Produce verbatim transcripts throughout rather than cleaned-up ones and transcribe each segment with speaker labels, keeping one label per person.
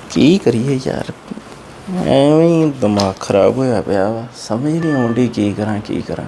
Speaker 1: ਕੀ ਕਰੀਏ ਯਾਰ, ਐਵੇਂ ਹੀ ਦਿਮਾਗ ਖਰਾਬ ਹੋਇਆ ਪਿਆ ਵਾ। ਸਮਝ ਨਹੀਂ ਆਉਂਦੀ ਕੀ ਕਰਾਂ ਕੀ ਕਰਾਂ।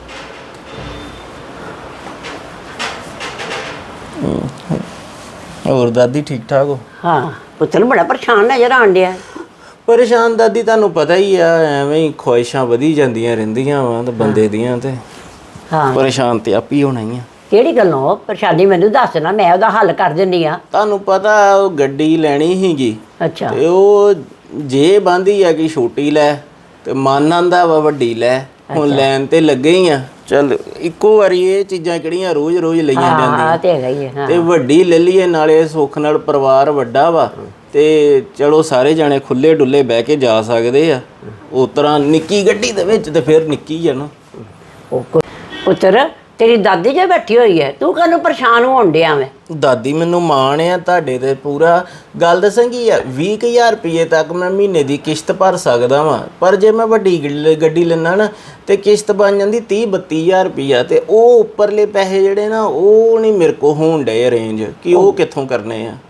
Speaker 1: ਹੋਰ ਦਾਦੀ ਠੀਕ ਠਾਕ ਹੋ?
Speaker 2: ਹਾਂ ਪੁੱਤਰ ਬੜਾ ਪਰੇਸ਼ਾਨ ਨਜ਼ਰ ਆਉਣ ਡਿਆ।
Speaker 1: ਪਰੇਸ਼ਾਨ ਦਾਦੀ, ਤੁਹਾਨੂੰ ਪਤਾ ਹੀ ਆ, ਐਵੇਂ ਹੀ ਖੁਆਇਸ਼ਾਂ ਵਧੀ ਜਾਂਦੀਆਂ ਰਹਿੰਦੀਆਂ ਵਾ ਤੇ ਬੰਦੇ ਦੀਆਂ, ਤੇ
Speaker 2: ਹਾਂ
Speaker 1: ਪਰੇਸ਼ਾਨ ਤੇ ਆਪ ਹੀ ਹੋਣਾ ਹੀ ਆ।
Speaker 2: ਕਿਹੜੀ ਗੱਲੋਂ ਪਰੇਸ਼ਾਨੀ ਮੈਨੂੰ ਦੱਸ ਨਾ, ਮੈਂ ਉਹਦਾ ਹੱਲ ਕਰ ਦਿੰਦੀ ਆ।
Speaker 1: ਤੁਹਾਨੂੰ ਪਤਾ ਉਹ ਗੱਡੀ ਲੈਣੀ ਸੀਗੀ
Speaker 2: ਅੱਛਾ
Speaker 1: ਤੇ ਉਹ ਜੇ ਬੰਦੀ ਆ ਕਿ ਛੋਟੀ ਲੈ, ਤੇ ਮਨ ਆਂਦਾ ਵਾ ਵੱਡੀ ਲੈ। ਹੁਣ ਲੈਣ ਤੇ ਲੱਗੇ ਹੀ ਆ। ਚੱਲ ਇੱਕੋ ਵਾਰੀ ਇਹ ਚੀਜ਼ਾਂ ਕਿਹੜੀਆਂ ਰੋਜ਼ ਰੋਜ਼ ਲਈਆਂ ਜਾਂਦੀਆਂ,
Speaker 2: ਤੇ ਹੈਗਾ ਹੀ ਹੈ।
Speaker 1: ਤੇ ਵੱਡੀ ਲੈ ਲਈਏ, ਨਾਲੇ ਸੁੱਖ ਨਾਲ ਪਰਿਵਾਰ ਵੱਡਾ ਵਾ, ਤੇ ਚਲੋ ਸਾਰੇ ਜਾਣੇ ਖੁੱਲੇ ਡੁੱਲੇ ਬਹਿ ਕੇ ਜਾ ਸਕਦੇ ਆ। ਉਸ ਤਰ੍ਹਾਂ ਨਿੱਕੀ ਗੱਡੀ ਦੇ ਵਿੱਚ ਤੇ ਫਿਰ ਨਿੱਕੀ ਆ ਨਾ।
Speaker 2: ਪੁੱਤਰ ਤੇਰੀ ਦਾਦੀ ਜੇ ਬੈਠੀ ਹੋਈ ਹੈ, ਤੂੰ ਕਾਹਨੂੰ ਪਰੇਸ਼ਾਨ ਹੋਣ ਡਿਆ ਮੈਂ?
Speaker 1: ਦਾਦੀ ਮੈਨੂੰ ਮਾਣ ਆ ਤੁਹਾਡੇ ਤੇ ਪੂਰਾ। ਗੱਲ ਦੱਸਾਂ ਕੀ ਆ, ਵੀਹ ਕੁ ਹਜ਼ਾਰ ਰੁਪਈਏ ਤੱਕ ਮੈਂ ਮਹੀਨੇ ਦੀ ਕਿਸ਼ਤ ਭਰ ਸਕਦਾ ਵਾਂ, ਪਰ ਜੇ ਮੈਂ ਵੱਡੀ ਗੱਡੀ ਲੈਣਾ ਨਾ ਤੇ ਕਿਸ਼ਤ ਬਣ ਜਾਂਦੀ ਤੀਹ ਬੱਤੀ ਹਜ਼ਾਰ ਰੁਪਈਆ, ਤੇ ਉਹ ਉੱਪਰਲੇ ਪੈਸੇ ਜਿਹੜੇ ਨਾ ਉਹ ਨਹੀਂ ਮੇਰੇ ਕੋਲ ਹੋਣ ਡੇ ਅਰੇਂਜ, ਕਿ ਉਹ ਕਿੱਥੋਂ ਕਰਨੇ ਆ।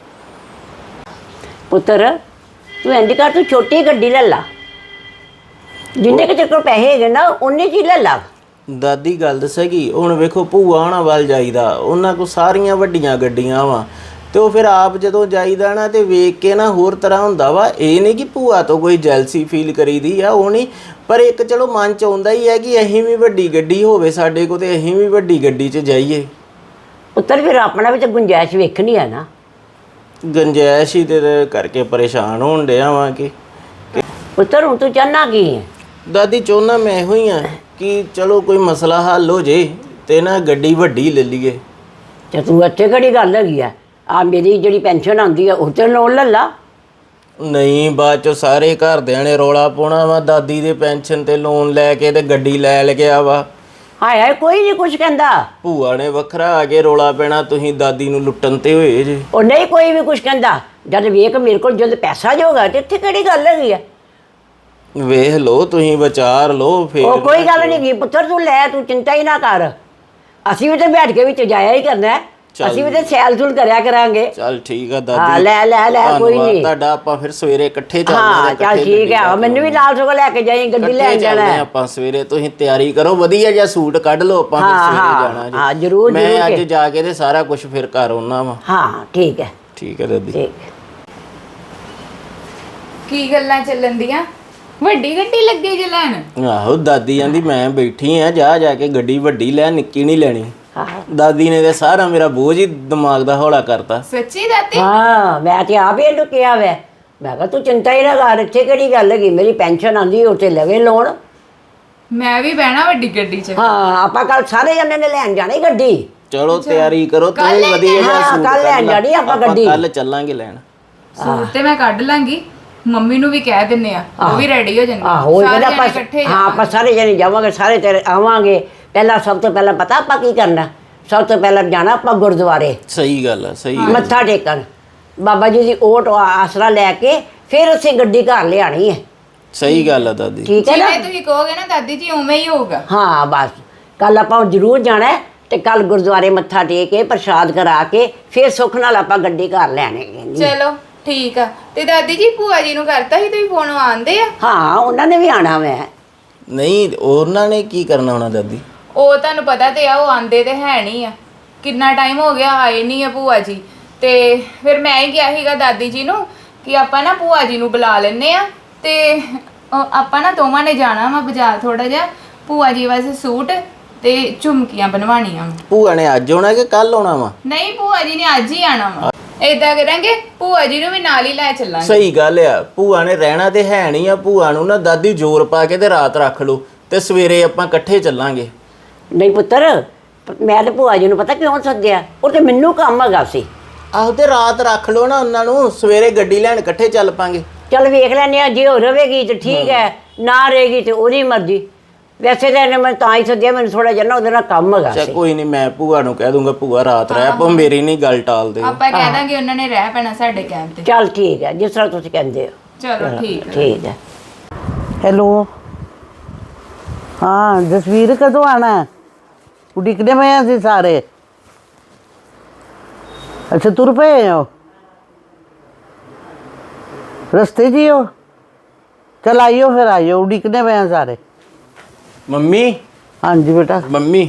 Speaker 2: ਪੁੱਤਰ ਤੂੰ ਇੰਝ ਕਰ, ਤੂੰ ਛੋਟੀ ਗੱਡੀ ਲੈ ਲਾ, ਜਿੰਨੇ ਕੁ ਤੇਰੇ ਕੋਲ ਪੈਸੇ ਹੈਗੇ ਨਾ ਉਨੇ 'ਚ ਹੀ ਲੈ ਲਾ।
Speaker 1: ਦਾਦੀ ਗੱਲ ਦੱਸੇਗੀ, ਹੁਣ ਵੇਖੋ ਭੂਆ ਹੋਣਾ ਵੱਲ ਜਾਈਦਾ, ਉਹਨਾਂ ਕੋਲ ਸਾਰੀਆਂ ਵੱਡੀਆਂ ਗੱਡੀਆਂ ਵਾ, ਤੇ ਉਹ ਫਿਰ ਆਪ ਜਦੋਂ ਜਾਈਦਾ ਨਾ ਤੇ ਵੇਖ ਕੇ ਨਾ ਹੋਰ ਤਰ੍ਹਾਂ ਹੁੰਦਾ ਵਾ। ਇਹ ਨਹੀਂ ਕਿ ਭੂਆ ਤੋਂ ਕੋਈ ਜੈਲਸੀ ਫੀਲ ਕਰੀਦੀ ਆ, ਉਹ ਨਹੀਂ, ਪਰ ਇੱਕ ਚਲੋ ਮਨ 'ਚ ਆਉਂਦਾ ਹੀ ਹੈ ਕਿ ਅਸੀਂ ਵੀ ਵੱਡੀ ਗੱਡੀ ਹੋਵੇ ਸਾਡੇ ਕੋਲ, ਤੇ ਅਸੀਂ ਵੀ ਵੱਡੀ ਗੱਡੀ 'ਚ ਜਾਈਏ।
Speaker 2: ਪੁੱਤਰ ਫਿਰ ਆਪਣਾ ਵੀ ਤਾਂ ਗੁੰਜਾਇਸ਼ ਵੇਖਣੀ ਹੈ ਨਾ।
Speaker 1: ਗੁੰਜਾਇਸ਼ ਹੀ ਤੇ ਕਰਕੇ ਪਰੇਸ਼ਾਨ ਹੋਣ ਡਿਆ ਵਾਂ ਕਿ
Speaker 2: ਪੁੱਤਰ ਹੁਣ ਤੂੰ ਚਾਹੁੰਦਾ ਕੀ ਹੈ?
Speaker 1: ਦਾਦੀ ਚਾਹੁੰਦਾ ਮੈਂ ਇਹੋ ਹੀ ਆ ਕਿ ਚਲੋ ਕੋਈ ਮਸਲਾ ਹੱਲ ਹੋ ਜੇ ਤੇ ਨਾ ਗੱਡੀ ਵੱਡੀ ਲੈ ਲਈਏ।
Speaker 2: ਤੇ ਤੂੰ ਇੱਥੇ ਕਿਹੜੀ ਗੱਲ ਹੈਗੀ ਆ? ਆ ਮੇਰੀ ਜਿਹੜੀ ਪੈਨਸ਼ਨ ਆਉਂਦੀ ਆ ਉਹ ਤੇ ਲੋਨ ਲੈ ਲਾ।
Speaker 1: ਨਹੀਂ, ਬਾਅਦ ਚੋਂ ਸਾਰੇ ਘਰਦਿਆਂ ਨੇ ਰੌਲਾ ਪਾਉਣਾ ਵਾ, ਦਾਦੀ ਦੇ ਪੈਨਸ਼ਨ ਤੇ ਲੋਨ ਲੈ ਕੇ ਤੇ ਗੱਡੀ ਲੈ ਲਿਆ ਵਾ।
Speaker 2: ਹਾਏ ਹਾਏ ਕੋਈ ਨਹੀਂ ਕੁਛ ਕਹਿੰਦਾ।
Speaker 1: ਭੂਆ ਨੇ ਵੱਖਰਾ ਆ ਕੇ ਰੌਲਾ ਪੈਣਾ, ਤੁਸੀਂ ਦਾਦੀ ਨੂੰ ਲੁੱਟਣ ਤੇ ਹੋਏ ਜੇ।
Speaker 2: ਉਹ ਨਹੀਂ ਕੋਈ ਵੀ ਕੁਛ ਕਹਿੰਦਾ, ਜਦ ਵੇਖ ਮੇਰੇ ਕੋਲ ਜਦ ਪੈਸਾ ਜੋਗਾ ਤੇ ਇੱਥੇ ਕਿਹੜੀ ਗੱਲ ਹੈਗੀ ਆ?
Speaker 1: ਵੇਖ ਲਓ, ਤੁਸੀਂ ਵਿਚਾਰ ਲਓ ਫਿਰ।
Speaker 2: ਉਹ ਕੋਈ ਗੱਲ ਨਹੀਂ ਗੀ ਪੁੱਤਰ, ਤੂੰ ਲੈ, ਤੂੰ ਚਿੰਤਾ ਹੀ ਨਾ ਕਰ। ਅਸੀਂ ਵੀ ਤੇ ਬੈਠ ਕੇ ਵਿੱਚ ਜਾਇਆ ਹੀ ਕਰਨਾ, ਅਸੀਂ ਵੀ ਤੇ ਸੈਲ ਸੂਲ ਕਰਿਆ ਕਰਾਂਗੇ।
Speaker 1: ਚੱਲ ਠੀਕ ਆ
Speaker 2: ਹਾਂ
Speaker 1: ਦਾਦੀ,
Speaker 2: ਲੈ ਲੈ ਲੈ ਕੋਈ ਨਹੀਂ
Speaker 1: ਤੁਹਾਡਾ। ਆਪਾਂ ਫਿਰ ਸਵੇਰੇ ਇਕੱਠੇ ਚੱਲਦੇ
Speaker 2: ਹਾਂ ਚੱਲ ਠੀਕ ਹੈ, ਮੈਨੂੰ ਵੀ ਨਾਲ ਸਗੋਂ ਲੈ ਕੇ ਜਾਈਂ, ਗੱਡੀ ਲੈਣ ਜਾਣਾ
Speaker 1: ਆਪਾਂ ਸਵੇਰੇ। ਤੁਸੀਂ ਤਿਆਰੀ ਕਰੋ, ਵਧੀਆ ਜਿਹਾ ਸੂਟ ਕੱਢ ਲਓ, ਆਪਾਂ ਫਿਰ ਸਵੇਰੇ ਜਾਣਾ ਜੀ।
Speaker 2: ਹਾਂ ਜ਼ਰੂਰ।
Speaker 1: ਮੈਂ ਅੱਜ ਜਾ ਕੇ ਤੇ ਸਾਰਾ ਕੁਝ ਫਿਰ ਘਰ ਆਉਣਾ ਵਾ।
Speaker 2: ਹਾਂ ਠੀਕ ਹੈ
Speaker 1: ਠੀਕ ਹੈ ਦਾਦੀ।
Speaker 2: ਠੀਕ।
Speaker 3: ਕੀ ਗੱਲਾਂ ਚੱਲਣ ਦੀਆਂ? ਵੱਡੀ ਗੱਡੀ ਲੱਗੇ ਜੇ ਲੈਣ?
Speaker 1: ਆਹੋ, ਦਾਦੀ ਕਹਿੰਦੀ ਮੈਂ ਬੈਠੀ ਆ, ਜਾ ਜਾ ਕੇ ਗੱਡੀ ਵੱਡੀ ਲੈ, ਨਿੱਕੀ ਨਹੀਂ ਲੈਣੀ। ਦਾਦੀ ਨੇ ਤੇ ਸਾਰਾ ਮੇਰਾ ਬੋਝ ਹੀ ਦਿਮਾਗ ਦਾ ਹੌਲਾ ਕਰਤਾ।
Speaker 3: ਸੱਚੀ ਦਾਦੀ?
Speaker 2: ਹਾਂ ਮੈਂ ਤੇ ਆਪ ਹੀ ਇਹਨੂੰ ਕਿਹਾ ਵੈ, ਮੈਂ ਕਿਹਾ ਤੂੰ ਚਿੰਤਾ ਹੀ ਨਾ ਕਰ, ਇੱਥੇ ਕਿਹੜੀ ਗੱਲ ਹੈਗੀ, ਮੇਰੀ ਪੈਨਸ਼ਨ ਆਉਂਦੀ ਉੱਥੇ ਲਵੇ ਲੋਨ।
Speaker 3: ਮੈਂ ਵੀ ਬਹਿਣਾ ਵੱਡੀ ਗੱਡੀ 'ਚ।
Speaker 2: ਹਾਂ ਆਪਾਂ ਕੱਲ ਸਾਰੇ ਜਣੇ ਨੇ ਲੈਣ ਜਾਣੀ ਗੱਡੀ।
Speaker 1: ਚਲੋ ਤਿਆਰੀ ਕਰੋ, ਤੂੰ ਵਧੀਆ ਜਿਹਾ ਸੂਟ
Speaker 2: ਕੱਲ ਲੈਣ ਜਾਣੀ ਆਪਾਂ ਗੱਡੀ।
Speaker 1: ਕੱਲ ਚੱਲਾਂਗੇ ਲੈਣ।
Speaker 3: ਸੂਟ ਤੇ ਮੈਂ ਕੱਢ ਲਾਂਗੀ, ਮੰਮੀ ਨੂੰ ਵੀ ਕਹਿ ਦਿੰਨੇ ਆ, ਉਹ ਵੀ ਰੈਡੀ ਹੋ ਜਾਣਗੇ।
Speaker 2: ਆਹੋ
Speaker 3: ਸਾਰੇ
Speaker 2: ਆਪਾਂ
Speaker 3: ਇਕੱਠੇ
Speaker 2: ਹਾਂ ਆਪਾਂ ਸਾਰੇ ਜਣੇ ਜਾਵਾਂਗੇ, ਸਾਰੇ ਤੇਰੇ ਆਵਾਂਗੇ। ਪਹਿਲਾਂ ਸਭ ਤੋਂ ਪਹਿਲਾਂ ਪਤਾ ਆਪਾਂ ਕੀ ਕਰਨਾ? ਸਭ ਤੋਂ ਪਹਿਲਾਂ ਜਾਣਾ ਆਪਾਂ ਗੁਰਦੁਆਰੇ।
Speaker 1: ਸਹੀ ਗੱਲ ਆ, ਸਹੀ।
Speaker 2: ਮੱਥਾ ਟੇਕਣ, ਬਾਬਾ ਜੀ ਦੀ ਓਟ ਆਸਰਾ ਲੈ ਕੇ ਫਿਰ ਅਸੀਂ ਗੱਡੀ ਘਰ ਲਿਆਣੀ ਹੈ।
Speaker 1: ਸਹੀ ਗੱਲ ਆ ਦਾਦੀ।
Speaker 2: ਠੀਕ ਹੈ ਨਾ?
Speaker 3: ਜਿਵੇਂ ਤੁਸੀਂ ਕਹੋਗੇ ਨਾ ਦਾਦੀ ਜੀ ਉਵੇਂ ਹੀ ਹੋਊਗਾ।
Speaker 2: ਹਾਂ ਬਸ ਕੱਲ ਆਪਾਂ ਜ਼ਰੂਰ ਜਾਣਾ ਹੈ, ਤੇ ਕੱਲ ਗੁਰਦੁਆਰੇ ਮੱਥਾ ਟੇਕ ਕੇ ਪ੍ਰਸ਼ਾਦ ਕਰਾ ਕੇ ਫਿਰ ਸੁੱਖ ਨਾਲ ਆਪਾਂ ਗੱਡੀ ਘਰ ਲੈਣੇ।
Speaker 3: ਚਲੋ ਠੀਕ ਆ। ਤੇ ਦਾਦੀ ਜੀ ਭੂਆ ਜੀ ਨੂੰ ਕਰਤਾ ਸੀ ਤੁਸੀਂ ਫੋਨ, ਆਉਂਦੇ ਆ?
Speaker 2: ਹਾਂ ਉਹਨਾਂ ਨੇ ਵੀ ਆਣਾ ਵੈ।
Speaker 1: ਨਹੀਂ, ਉਹਨਾਂ ਨੇ ਕੀ ਕਰਨਾ ਹੋਣਾ ਦਾਦੀ?
Speaker 3: ਉਹ ਤੁਹਾਨੂੰ ਪਤਾ ਤੇ ਆ, ਉਹ ਆਂਦੇ ਤੇ ਹੈ ਨਹੀਂ ਆ, ਕਿੰਨਾ ਟਾਈਮ ਹੋ ਗਿਆ ਆਏ ਨਹੀਂ ਆ ਭੂਆ ਜੀ। ਤੇ ਫਿਰ ਮੈਂ ਹੀ ਕਿਹਾ ਸੀਗਾ ਦਾਦੀ ਜੀ ਨੂੰ ਕਿ ਆਪਾਂ ਨਾ ਭੂਆ ਜੀ ਨੂੰ ਬੁਲਾ ਲੈਂਦੇ ਆ, ਤੇ ਆਪਾਂ ਨਾ ਦੋਵਾਂ ਨੇ ਜਾਣਾ ਵਾ ਬਾਜ਼ਾਰ ਥੋੜਾ ਜਿਹਾ, ਭੂਆ ਜੀ ਵਾਸਤੇ ਸੂਟ ਤੇ ਝੁਮਕੀਆਂ ਬਣਵਾਉਣੀਆਂ।
Speaker 1: ਭੂਆ ਨੇ ਅੱਜ ਆਉਣਾ ਕਿ ਕੱਲ ਆਉਣਾ ਵਾ?
Speaker 3: ਨਹੀਂ, ਭੂਆ ਜੀ ਨੇ ਅੱਜ ਹੀ ਆਣਾ ਵਾ। ਏਦਾਂ ਕਰਾਂਗੇ, ਭੂਆ ਜੀ ਨੂੰ ਵੀ ਨਾਲ ਹੀ ਲੈ ਚੱਲਾਂਗੇ।
Speaker 1: ਸਹੀ ਗੱਲ ਆ, ਭੂਆ ਨੇ ਰਹਿਣਾ ਤੇ ਹੈ ਨਹੀਂ ਆ। ਭੂਆ ਨੂੰ ਨਾ ਦਾਦੀ ਜ਼ੋਰ ਪਾ ਕੇ ਤੇ ਰਾਤ ਰੱਖ ਲਓ, ਤੇ ਸਵੇਰੇ ਆਪਾਂ ਇਕੱਠੇ ਚੱਲਾਂਗੇ।
Speaker 2: ਨਹੀਂ ਪੁੱਤਰ, ਮੈਂ ਤੇ ਭੂਆ ਜੀ ਨੂੰ ਪਤਾ ਕਿਉਂ ਸੱਦਿਆ, ਉਹ ਤੇ ਮੈਨੂੰ ਕੰਮ ਹੈਗਾ ਸੀ।
Speaker 1: ਆਹੋ, ਤੇ ਰਾਤ ਰੱਖ ਲਓ ਨਾ ਉਹਨਾਂ ਨੂੰ, ਸਵੇਰੇ ਗੱਡੀ ਲੈਣ ਇਕੱਠੇ ਚੱਲ ਪਾਂਗੇ।
Speaker 2: ਚੱਲ ਵੇਖ ਲੈਂਦੇ ਆ, ਜੇ ਉਹ ਰਵੇਗੀ ਤੇ ਠੀਕ ਹੈ, ਨਾ ਰਹੇਗੀ ਤੇ ਉਹਦੀ ਮਰਜ਼ੀ। ਵੈਸੇ ਤਾਂ ਇਹਨੇ ਮੈਂ ਤਾਂ ਹੀ ਸੱਦਿਆ, ਮੈਨੂੰ ਥੋੜਾ ਜਿਹਾ ਨਾ ਉਹਦੇ ਨਾਲ ਕੰਮ ਹੈਗਾ
Speaker 1: ਚਾ
Speaker 2: ਸੀ।
Speaker 1: ਕੋਈ ਨਹੀਂ, ਮੈਂ ਭੂਆ ਨੂੰ ਕਹਿ ਦੂੰਗਾ ਭੂਆ ਰਾਤ ਰਹਿ ਪੋ, ਮੇਰੀ ਨਹੀਂ ਗੱਲ ਟਾਲ ਦਿਓ।
Speaker 3: ਆਪਾਂ ਕਹਿ ਦਾਂਗੇ ਉਹਨਾਂ ਨੇ ਰਹਿ ਪੈਣਾ ਸਾਡੇ ਕਹਿਣ ਤੇ।
Speaker 2: ਚੱਲ ਠੀਕ ਹੈ, ਜਿਸ ਤਰ੍ਹਾਂ ਤੁਸੀਂ ਕਹਿੰਦੇ ਹੋ।
Speaker 3: ਚਲੋ ਠੀਕ ਹੈ।
Speaker 2: ਠੀਕ ਹੈ।
Speaker 4: ਹੈਲੋ, ਹਾਂ ਜਸਵੀਰ ਕਦੋਂ ਆਣਾ? ਉਡੀਕਦੇ ਪਏ ਅਸੀਂ ਸਾਰੇ। ਅੱਛਾ ਤੁਰ ਪਏ ਹੋ? रस्ते जी हो चल आइयो फिर आइयो उड़ीकने पे हैं सारे
Speaker 1: ਮੰਮੀ
Speaker 4: हाँ जी बेटा
Speaker 1: ਮੰਮੀ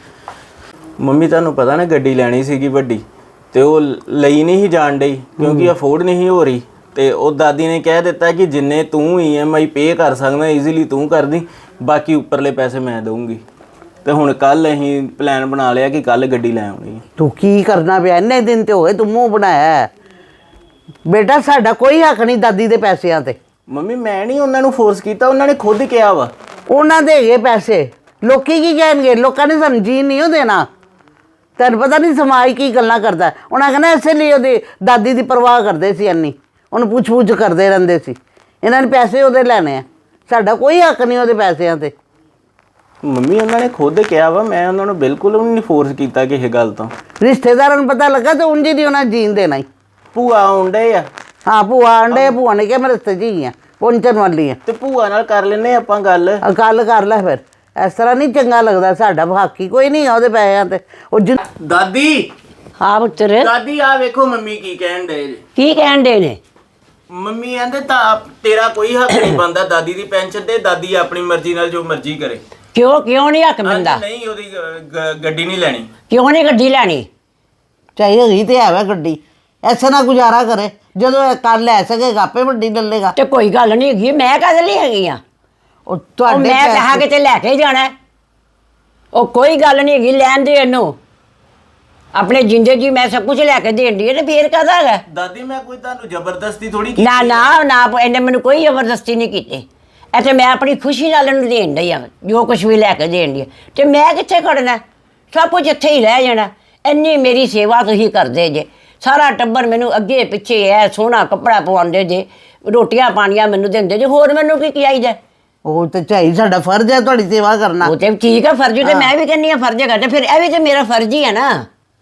Speaker 1: ਮੰਮੀ ਤੁਹਾਨੂੰ ਪਤਾ ਨਾ ਗੱਡੀ ਲੈਣੀ ਸੀਗੀ ਵੱਡੀ ਤੇ ਉਹ ਲਈ ਨਹੀਂ ਸੀ ਜਾਣ ਡਈ ਕਿਉਂਕਿ ਅਫੋਰਡ ਨਹੀਂ ਹੋ ਰਹੀ ਤੇ ਉਹ ਦਾਦੀ ਨੇ ਕਹਿ ਦਿੱਤਾ ਕਿ ਜਿੰਨੇ ਤੂੰ ਈ ਐਮ ਆਈ ਪੇ ਕਰ ਸਕਦਾ ਈਜ਼ੀਲੀ ਤੂੰ ਕਰਦੀ ਬਾਕੀ ਉੱਪਰਲੇ ਪੈਸੇ ਮੈਂ ਦਊਂਗੀ ਤੇ ਹੁਣ ਕੱਲ ਅਸੀਂ ਪਲਾਨ ਬਣਾ ਲਿਆ ਕਿ ਕੱਲ ਗੱਡੀ ਲੈ ਆਉਣੀ ਹੈ
Speaker 4: तू की करना पे इन्ने दिन ते हो गए तू मुंह बनाया है बेटा साडा कोई हक नहीं दादी दे पैसिਆਂ ਤੇ
Speaker 1: ਮੰਮੀ ਮੈਂ ਨਹੀਂ ਉਹਨਾਂ ਨੂੰ ਫੋਰਸ ਕੀਤਾ ਉਹਨਾਂ ਨੇ ਖੁਦ ਕਿਹਾ ਵਾ
Speaker 4: ਉਹਨਾਂ ਦੇ ਹੈਗੇ ਪੈਸੇ ਲੋਕੀ ਕੀ ਕਹਿਣਗੇ ਲੋਕਾਂ ਨੇ ਸਾਨੂੰ ਜੀਣ ਨਹੀਂ ਉਹ ਦੇਣਾ ਤੈਨੂੰ ਪਤਾ ਨਹੀਂ ਸਮਾਜ ਕੀ ਗੱਲਾਂ ਕਰਦਾ ਉਹਨਾਂ ਕਹਿੰਦਾ ਇਸੇ ਲਈ ਉਹਦੀ ਦਾਦੀ ਦੀ ਪਰਵਾਹ ਕਰਦੇ ਸੀ ਇੰਨੀ ਉਹਨੂੰ ਪੁੱਛ ਪੁੱਛ ਕਰਦੇ ਰਹਿੰਦੇ ਸੀ ਇਹਨਾਂ ਨੇ ਪੈਸੇ ਉਹਦੇ ਲੈਣੇ ਆ ਸਾਡਾ ਕੋਈ ਹੱਕ ਨਹੀਂ ਉਹਦੇ ਪੈਸਿਆਂ ਤੇ
Speaker 1: ਮੰਮੀ ਉਹਨਾਂ ਨੇ ਖੁਦ ਕਿਹਾ ਵਾ ਮੈਂ ਉਹਨਾਂ ਨੂੰ ਬਿਲਕੁਲ ਵੀ ਨਹੀਂ ਫੋਰਸ ਕੀਤਾ ਕਿਸੇ ਗੱਲ ਤੋਂ
Speaker 4: ਰਿਸ਼ਤੇਦਾਰਾਂ ਨੂੰ ਪਤਾ ਲੱਗਾ ਤੇ ਉਂਝ ਹੀ ਨਹੀਂ ਉਹਨਾਂ ਜੀਣ ਦੇਣਾ ਹੀ
Speaker 1: ਭੂਆ ਆਉਂਦੇ ਆ
Speaker 4: ਹਾਂ ਭੂਆ ਆਂਡੇ ਭੂਆ ਨੇ ਕਿਹਾ ਮੈਂ ਰਸਤੇ 'ਚ ਹੀ ਆ ਪਹੁੰਚਣ ਵਾਲੀ ਆ
Speaker 1: ਤੇ ਭੂਆ ਨਾਲ ਕਰ ਲੈਨੇ ਆਪਾਂ ਗੱਲ
Speaker 4: ਗੱਲ ਕਰ ਲੈ ਫਿਰ ਇਸ ਤਰ੍ਹਾਂ ਨਹੀਂ ਚੰਗਾ ਲੱਗਦਾ ਸਾਡਾ ਹਾਕੀ ਕੋਈ ਨਹੀਂ ਆ ਉਹਦੇ ਪੈਸਿਆਂ ਤੇ ਉਹ ਜਿ-
Speaker 1: ਦਾਦੀ
Speaker 2: ਹਾਂ ਪੁੱਤਰ
Speaker 1: ਦਾਦੀ ਆ ਵੇਖੋ ਮੰਮੀ ਕੀ ਕਹਿਣ ਦੇ
Speaker 2: ਕੀ ਕਹਿਣ ਦੇ ਨੇ
Speaker 1: ਮੰਮੀ ਕਹਿੰਦੇ ਤਾਂ ਤੇਰਾ ਕੋਈ ਹੱਕ ਨਹੀਂ ਬਣਦਾ ਦਾਦੀ ਦੀ ਪੈਨਸ਼ਨ ਤੇ ਦਾਦੀ ਆਪਣੀ ਮਰਜ਼ੀ ਨਾਲ ਜੋ ਮਰਜ਼ੀ ਕਰੇ
Speaker 2: ਕਿਉਂ ਕਿਉਂ ਨਹੀਂ ਹੱਕ ਮਿਲਦਾ
Speaker 1: ਨਹੀਂ ਉਹਦੀ ਗ- ਗ- ਗੱਡੀ ਨਹੀਂ ਲੈਣੀ
Speaker 2: ਕਿਉਂ ਨਹੀਂ ਗੱਡੀ ਲੈਣੀ
Speaker 4: ਚਾਹੀਏ ਗਈ ਤੇ ਹੈ ਵਾ ਗੱਡੀ ਐਸਾ ਨਾ ਗੁਜ਼ਾਰਾ ਕਰੇ ਜਦੋਂ ਇਹ ਕਰ ਲੈ ਸਕੇਗਾ ਆਪੇ ਵੱਡੀ ਲੈ ਲੇਗਾ
Speaker 2: ਤੇ ਕੋਈ ਗੱਲ ਨਹੀਂ ਹੈਗੀ ਮੈਂ ਕਦ ਲਈ ਹੈਗੀ ਆ
Speaker 4: ਉਹ
Speaker 2: ਉਹ
Speaker 4: ਤੁਹਾਡੇ
Speaker 2: ਮੈਂ ਕਹਾ
Speaker 4: ਪੈਸੇ-
Speaker 2: ਕਿਤੇ ਲੈ ਕੇ ਹੀ ਜਾਣਾ ਹੈ। ਉਹ ਕੋਈ ਗੱਲ ਨਹੀਂ ਹੈਗੀ ਲੈਣ ਦੇ ਇਹਨੂੰ ਆਪਣੇ ਜਿੰਦੇ ਜੀ ਮੈਂ ਸਭ ਕੁਝ ਲੈ ਕੇ ਦੇਣ ਦੀ ਤੇ ਫੇਰ ਕਾਹਦਾ ਹੈਗਾ
Speaker 1: ਦਾਦੀ ਮੈਂ ਕੋਈ ਤੁਹਾਨੂੰ ਜ਼ਬਰਦਸਤੀ ਥੋੜੀ
Speaker 2: ਨਾ ਨਾ ਨਾ ਇਹਨੇ ਮੈਨੂੰ ਕੋਈ ਜ਼ਬਰਦਸਤੀ ਨਹੀਂ ਕੀਤੀ ਇੱਥੇ ਮੈਂ ਆਪਣੀ ਖੁਸ਼ੀ ਨਾਲ ਇਹਨੂੰ ਦੇਣ ਡਈ ਆ ਜੋ ਕੁਝ ਵੀ ਲੈ ਕੇ ਦੇਣ ਦੀ ਤੇ ਮੈਂ ਕਿੱਥੇ ਖੜਨਾ ਸਭ ਕੁਝ ਇੱਥੇ ਹੀ ਰਹਿ ਜਾਣਾ ਇੰਨੀ ਮੇਰੀ ਸੇਵਾ ਤੁਸੀਂ ਕਰਦੇ ਜੇ ਸਾਰਾ ਟੱਬਰ ਮੈਨੂੰ ਅੱਗੇ ਪਿੱਛੇ ਐ ਸੋਹਣਾ ਕੱਪੜਾ ਪਵਾਉਂਦੇ ਜੇ ਰੋਟੀਆਂ ਪਾਣੀਆਂ ਮੈਨੂੰ ਦਿੰਦੇ ਜੇ ਹੋਰ ਮੈਨੂੰ ਕੀ ਚਾਹੀਦਾ
Speaker 4: ਉਹ ਤੇ ਚਾਹੀ ਸਾਡਾ ਫਰਜ਼ ਹੈ ਤੁਹਾਡੀ ਸੇਵਾ ਕਰਨਾ
Speaker 2: ਉਹ ਤੇ ਠੀਕ ਆ ਫਰਜ਼ ਤੇ ਮੈਂ ਵੀ ਕਹਿੰਦੀ ਆ ਫਰਜ਼ ਹੈਗਾ ਤੇ ਫਿਰ ਇਹ ਵੀ ਤੇ ਮੇਰਾ ਫਰਜ਼ ਹੀ ਹੈ ਨਾ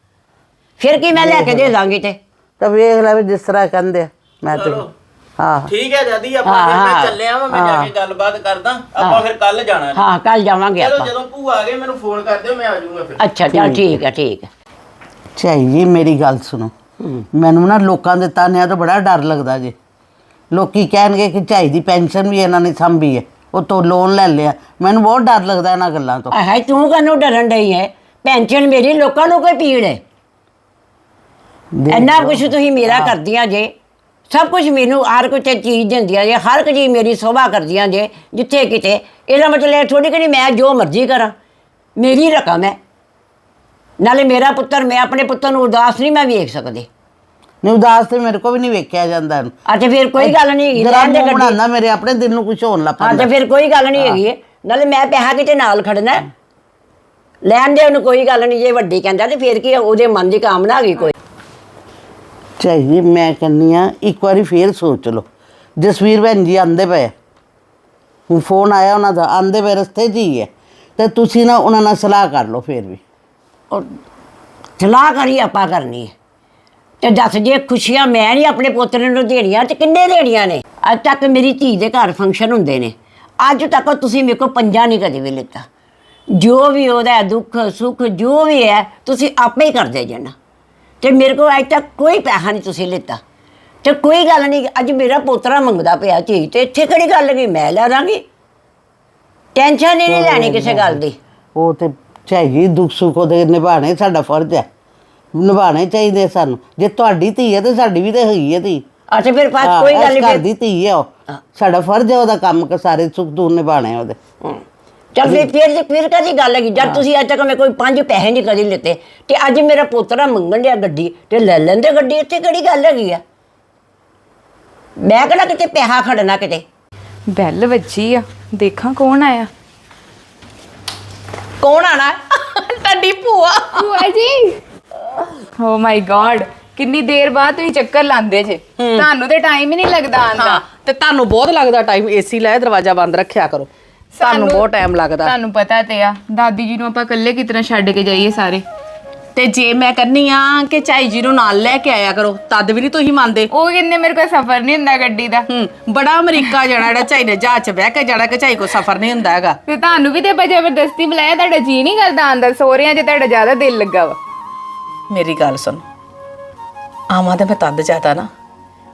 Speaker 2: ਫਿਰ ਕੀ ਮੈਂ ਲੈ ਕੇ ਦੇ ਦਾਂਗੀ ਤੇ
Speaker 4: ਤਾਂ ਵੇਖ ਲੈ ਵੀ ਜਿਸ ਤਰ੍ਹਾਂ ਕਹਿੰਦੇ ਆ, ਮੈਂ ਤੇ
Speaker 1: ਚਲੋ।
Speaker 4: ਹਾਂ
Speaker 1: ਠੀਕ ਹੈ ਦਾਦੀ ਆਪਾਂ ਫਿਰ ਮੈਂ ਚੱਲਿਆ ਵਾਂ ਮੈਂ ਜਾ ਕੇ ਗੱਲਬਾਤ ਕਰਦਾ ਆਪਾਂ ਫਿਰ ਕੱਲ ਜਾਣਾ ਜੀ।
Speaker 2: ਹਾਂ ਕੱਲ ਜਾਵਾਂਗੇ
Speaker 1: ਚਲੋ
Speaker 2: ਆਪਾਂ
Speaker 1: ਜਦੋਂ ਭੂਆ ਆ ਗਏ ਮੈਨੂੰ ਫੋਨ ਕਰ ਦਿਓ ਮੈਂ ਆ ਜਾਊਂਗਾ ਫਿਰ
Speaker 2: ਅੱਛਾ ਚਲ ਠੀਕ ਹੈ ਠੀਕ ਹੈ
Speaker 4: ਚਾਹੀ ਜੀ ਮੇਰੀ ਗੱਲ ਸੁਣੋ ਮੈਨੂੰ ਨਾ ਲੋਕਾਂ ਦੇ ਤਾਨਿਆਂ ਤੋਂ ਬੜਾ ਡਰ ਲੱਗਦਾ ਜੀ ਲੋਕੀ ਕਹਿਣਗੇ ਕਿ ਝਾਈ ਦੀ ਪੈਨਸ਼ਨ ਵੀ ਇਹਨਾਂ ਨੇ ਸੰਭੀ ਹੈ ਉਹ ਤੋਂ ਲੋਨ ਲੈ ਲਿਆ ਮੈਨੂੰ ਬਹੁਤ ਡਰ ਲੱਗਦਾ ਇਹਨਾਂ ਗੱਲਾਂ ਤੋਂ
Speaker 2: ਆਹ ਤੂੰ ਕਾਹਨੂੰ ਡਰਨ ਡਈ ਹੈ ਪੈਨਸ਼ਨ ਮੇਰੀ ਲੋਕਾਂ ਨੂੰ ਕੋਈ ਪੀੜ ਹੈ ਇੰਨਾ ਕੁਛ ਤੁਸੀਂ ਮੇਰਾ ਕਰਦੀਆਂ ਜੇ ਸਭ ਕੁਝ ਮੈਨੂੰ ਹਰ ਕੋਈ ਚੀਜ਼ ਦਿੰਦੀਆਂ ਜੇ ਹਰ ਇੱਕ ਚੀਜ਼ ਮੇਰੀ ਸੋਭਾ ਕਰਦੀਆਂ ਜੇ ਜਿੱਥੇ ਕਿਤੇ ਇਹਦਾ ਮਤਲਬ ਥੋੜੀ ਕਿ ਮੈਂ ਜੋ ਮਰਜ਼ੀ ਕਰਾਂ ਮੇਰੀ ਰਕਮ ਹੈ ਨਾਲੇ ਮੇਰਾ ਪੁੱਤਰ ਮੈਂ ਆਪਣੇ ਪੁੱਤਰ ਨੂੰ ਉਦਾਸ ਨਹੀਂ ਮੈਂ ਵੇਖ ਸਕਦੀ
Speaker 4: ਨਹੀਂ ਉਦਾਸ ਤੇ ਮੇਰੇ ਕੋ ਵੀ ਨਹੀਂ ਵੇਖਿਆ ਜਾਂਦਾ
Speaker 2: ਅਤੇ ਫਿਰ ਕੋਈ ਗੱਲ ਨਹੀਂ ਹੈਗੀ
Speaker 4: ਜਰਾ
Speaker 2: ਲੈਣ ਦੇ ਗੱਡੀ
Speaker 4: ਬਣਾਉਂਦਾ ਮੇਰੇ ਆਪਣੇ ਦਿਲ ਨੂੰ ਕੁਝ ਹੋਣ ਲੱਗ
Speaker 2: ਹਾਂ
Speaker 4: ਪੈਂਦਾ
Speaker 2: ਤੇ ਫਿਰ ਕੋਈ ਗੱਲ ਨਹੀਂ ਹੈਗੀ ਨਾਲੇ ਮੈਂ ਪੈਸਾ ਕਿਤੇ ਨਾਲ ਖੜਨਾ ਹੈ। ਲੈਣ ਦੇ ਉਹਨੂੰ ਕੋਈ ਗੱਲ ਨਹੀਂ ਜੇ ਵੱਡੀ ਕਹਿੰਦਾ ਤੇ ਫਿਰ ਕੀ ਉਹਦੇ ਮਨ ਦੀ ਕਾਮਨਾ ਹੈਗੀ ਕੋਈ
Speaker 4: ਚਾਹੀਏ ਮੈਂ ਕਹਿੰਦੀ ਆ ਇੱਕ ਵਾਰੀ ਫੇਰ ਸੋਚ ਲਓ ਜਸਵੀਰ ਭੈਣ ਜੀ ਆਂਦੇ ਪਏ ਹੁਣ ਫੋਨ ਆਇਆ ਉਹਨਾਂ ਦਾ ਆਂਦੇ ਪਏ ਰਸਤੇ 'ਚ ਹੀ ਹੈ ਤੇ ਤੁਸੀਂ ਨਾ ਉਹਨਾਂ ਨਾਲ ਸਲਾਹ ਕਰ ਲਓ ਫੇਰ ਵੀ
Speaker 2: ਉਹ ਸਲਾਹ ਕਰੀ ਆਪਾਂ ਕਰਨੀ ਹੈ ਤੇ ਦੱਸ ਜੇ ਖੁਸ਼ੀਆਂ ਮੈਂ ਨਹੀਂ ਆਪਣੇ ਪੋਤਰੇ ਨੂੰ ਦੇਣੀਆਂ ਤੇ ਕਿੰਨੇ ਦੇਣੀਆਂ ਨੇ ਅੱਜ ਤੱਕ ਮੇਰੀ ਧੀ ਦੇ ਘਰ ਫੰਕਸ਼ਨ ਹੁੰਦੇ ਨੇ ਅੱਜ ਤੱਕ ਤੁਸੀਂ ਮੇਰੇ ਕੋਲ ਪੰਜਾ ਨਹੀਂ ਕਦੇ ਵੀ ਲਿੱਤਾ ਜੋ ਵੀ ਉਹਦਾ ਦੁੱਖ ਸੁੱਖ ਜੋ ਵੀ ਹੈ ਤੁਸੀਂ ਆਪੇ ਹੀ ਕਰਦੇ ਜਾਣਾ ਤੇ ਮੇਰੇ ਕੋਲ ਅੱਜ ਤੱਕ ਕੋਈ ਪੈਸਾ ਨਹੀਂ ਤੁਸੀਂ ਲਿੱਤਾ ਤੇ ਕੋਈ ਗੱਲ ਨਹੀਂ ਅੱਜ ਮੇਰਾ ਪੋਤਰਾ ਮੰਗਦਾ ਪਿਆ ਚੀਜ਼ ਤੇ ਇੱਥੇ ਕਿਹੜੀ ਗੱਲ ਗਈ ਮੈਂ ਲੈ ਦਾਂਗੀ ਟੈਨਸ਼ਨ ਹੀ ਨਹੀਂ ਲੈਣੀ ਕਿਸੇ ਗੱਲ ਦੀ
Speaker 4: ਉਹ ਤੇ ਚਾਹੀਏ ਦੁੱਖ ਸੁੱਖ ਉਹਦੇ ਨਿਭਾਣੇ ਸਾਡਾ ਫਰਜ਼ ਹੈ ਨਿਭਾਣੇ ਚਾਹੀਦੇ ਸਾਨੂੰ ਜੇ ਤੁਹਾਡੀ ਧੀ ਹੈ ਤੇ ਸਾਡੀ ਵੀ ਤੇ ਹੈਗੀ ਹੈ ਧੀ
Speaker 2: ਅੱਛਾ ਫਿਰ ਬਾਤ
Speaker 4: ਹਾਂ,
Speaker 2: ਕੋਈ
Speaker 4: ਇਸ
Speaker 2: ਗੱਲ
Speaker 4: ਘਰ
Speaker 2: ਨਹੀਂ
Speaker 4: ਦੀ ਧੀ ਹੈ ਉਹ ਸਾਡਾ ਫਰਜ਼ ਹੈ ਉਹਦਾ ਕੰਮ ਕਿ ਸਾਰੇ ਸੁੱਖ ਦੂਰ ਨਿਭਾਣੇ ਉਹਦੇ
Speaker 2: ਚੱਲ ਫਿਰ ਫਿਰ ਫਿਰ ਕਾਹਦੀ ਗੱਲ ਹੈਗੀ ਜਦ ਤੁਸੀਂ ਅੱਜ ਤੱਕ ਮੈਂ ਕੋਈ ਪੰਜ ਪੈਸੇ ਨਹੀਂ ਕਦੇ ਲਿੱਤੇ ਤੇ ਅੱਜ ਮੇਰਾ ਪੋਤਰਾ ਮੰਗਣ ਡਿਆ ਗੱਡੀ ਤੇ ਲੈ ਲੈਂਦੇ ਗੱਡੀ ਇੱਥੇ ਕਿਹੜੀ ਗੱਲ ਹੈਗੀ ਆ ਮੈਂ ਕਿਹੜਾ ਕਿਤੇ ਪੈਸਾ ਖੜਨਾ ਕਿਤੇ
Speaker 3: ਬੈਲ ਵੱਜੀ ਆ ਦੇਖਾਂ ਕੌਣ ਆਇਆ
Speaker 5: ਕੌਣ ਆਣਾ ਤੁਹਾਡੀ ਭੂਆ
Speaker 3: ਭੂਆ ਜੀ ਓ ਮਾਈ ਗॉड ਕਿੰਨੀ ਦੇਰ ਬਾਅਦ ਤੁਸੀਂ ਚੱਕਰ ਲਾਉਂਦੇ ਜੇ ਤੁਹਾਨੂੰ ਤੇ ਟਾਈਮ ਹੀ ਨਹੀਂ ਲੱਗਦਾ ਆਉਣ ਦਾ
Speaker 5: ਹਾਂ ਤੇ ਤੁਹਾਨੂੰ ਬਹੁਤ ਲੱਗਦਾ ਟਾਈਮ ਏਸੀ ਲਾਇਆ ਦਰਵਾਜ਼ਾ ਬੰਦ ਰੱਖਿਆ ਕਰੋ ਤੁਹਾਨੂੰ ਬਹੁਤ ਟਾਈਮ ਲੱਗਦਾ
Speaker 3: ਤੁਹਾਨੂੰ ਪਤਾ ਤੇ ਆ ਦਾਦੀ ਜੀ ਨੂੰ ਆਪਾਂ ਇਕੱਲੇ ਕਿਤਨਾ ਛੱਡ ਕੇ ਜਾਈਏ ਸਾਰੇ
Speaker 5: ਤੇ ਜੇ ਮੈਂ ਕਹਿੰਨੀ ਆ ਕਿ ਚਾਈ ਜੀ ਨੂੰ ਨਾਲ ਲੈ ਕੇ ਆਇਆ ਕਰੋ ਤਦ ਵੀ ਨਹੀਂ ਤੁਸੀਂ ਮੰਨਦੇ
Speaker 3: ਉਹ ਕਹਿੰਦੇ ਮੇਰੇ ਕੋਲ ਸਫ਼ਰ ਨਹੀਂ ਹੁੰਦਾ ਗੱਡੀ ਦਾ
Speaker 5: ਹੂੰ ਬੜਾ ਅਮਰੀਕਾ ਜਾਣਾ ਜਿਹੜਾ ਚਾਈ ਨੇ ਜਹਾਜ਼ 'ਚ ਬਹਿ ਕੇ ਜਾਣਾ ਕਿ ਚਾਈ ਕੋ ਸਫ਼ਰ ਨਹੀਂ ਹੁੰਦਾ ਹੈਗਾ
Speaker 3: ਤੇ ਤੁਹਾਨੂੰ ਵੀ ਤੇ ਆਪਾਂ ਜ਼ਬਰਦਸਤੀ ਬੁਲਾਇਆ ਤੁਹਾਡਾ ਜੀ ਨਹੀਂ ਕਰਦਾ ਆਂਦਾ ਸੋਹਰਿਆਂ 'ਚ ਤੁਹਾਡਾ ਜ਼ਿਆਦਾ ਦਿਲ ਲੱਗਾ ਵਾ
Speaker 5: ਮੇਰੀ ਗੱਲ ਸੁਣ ਆਵਾਂ ਤੇ ਮੈਂ ਤਦ ਜ਼ਿਆਦਾ ਨਾ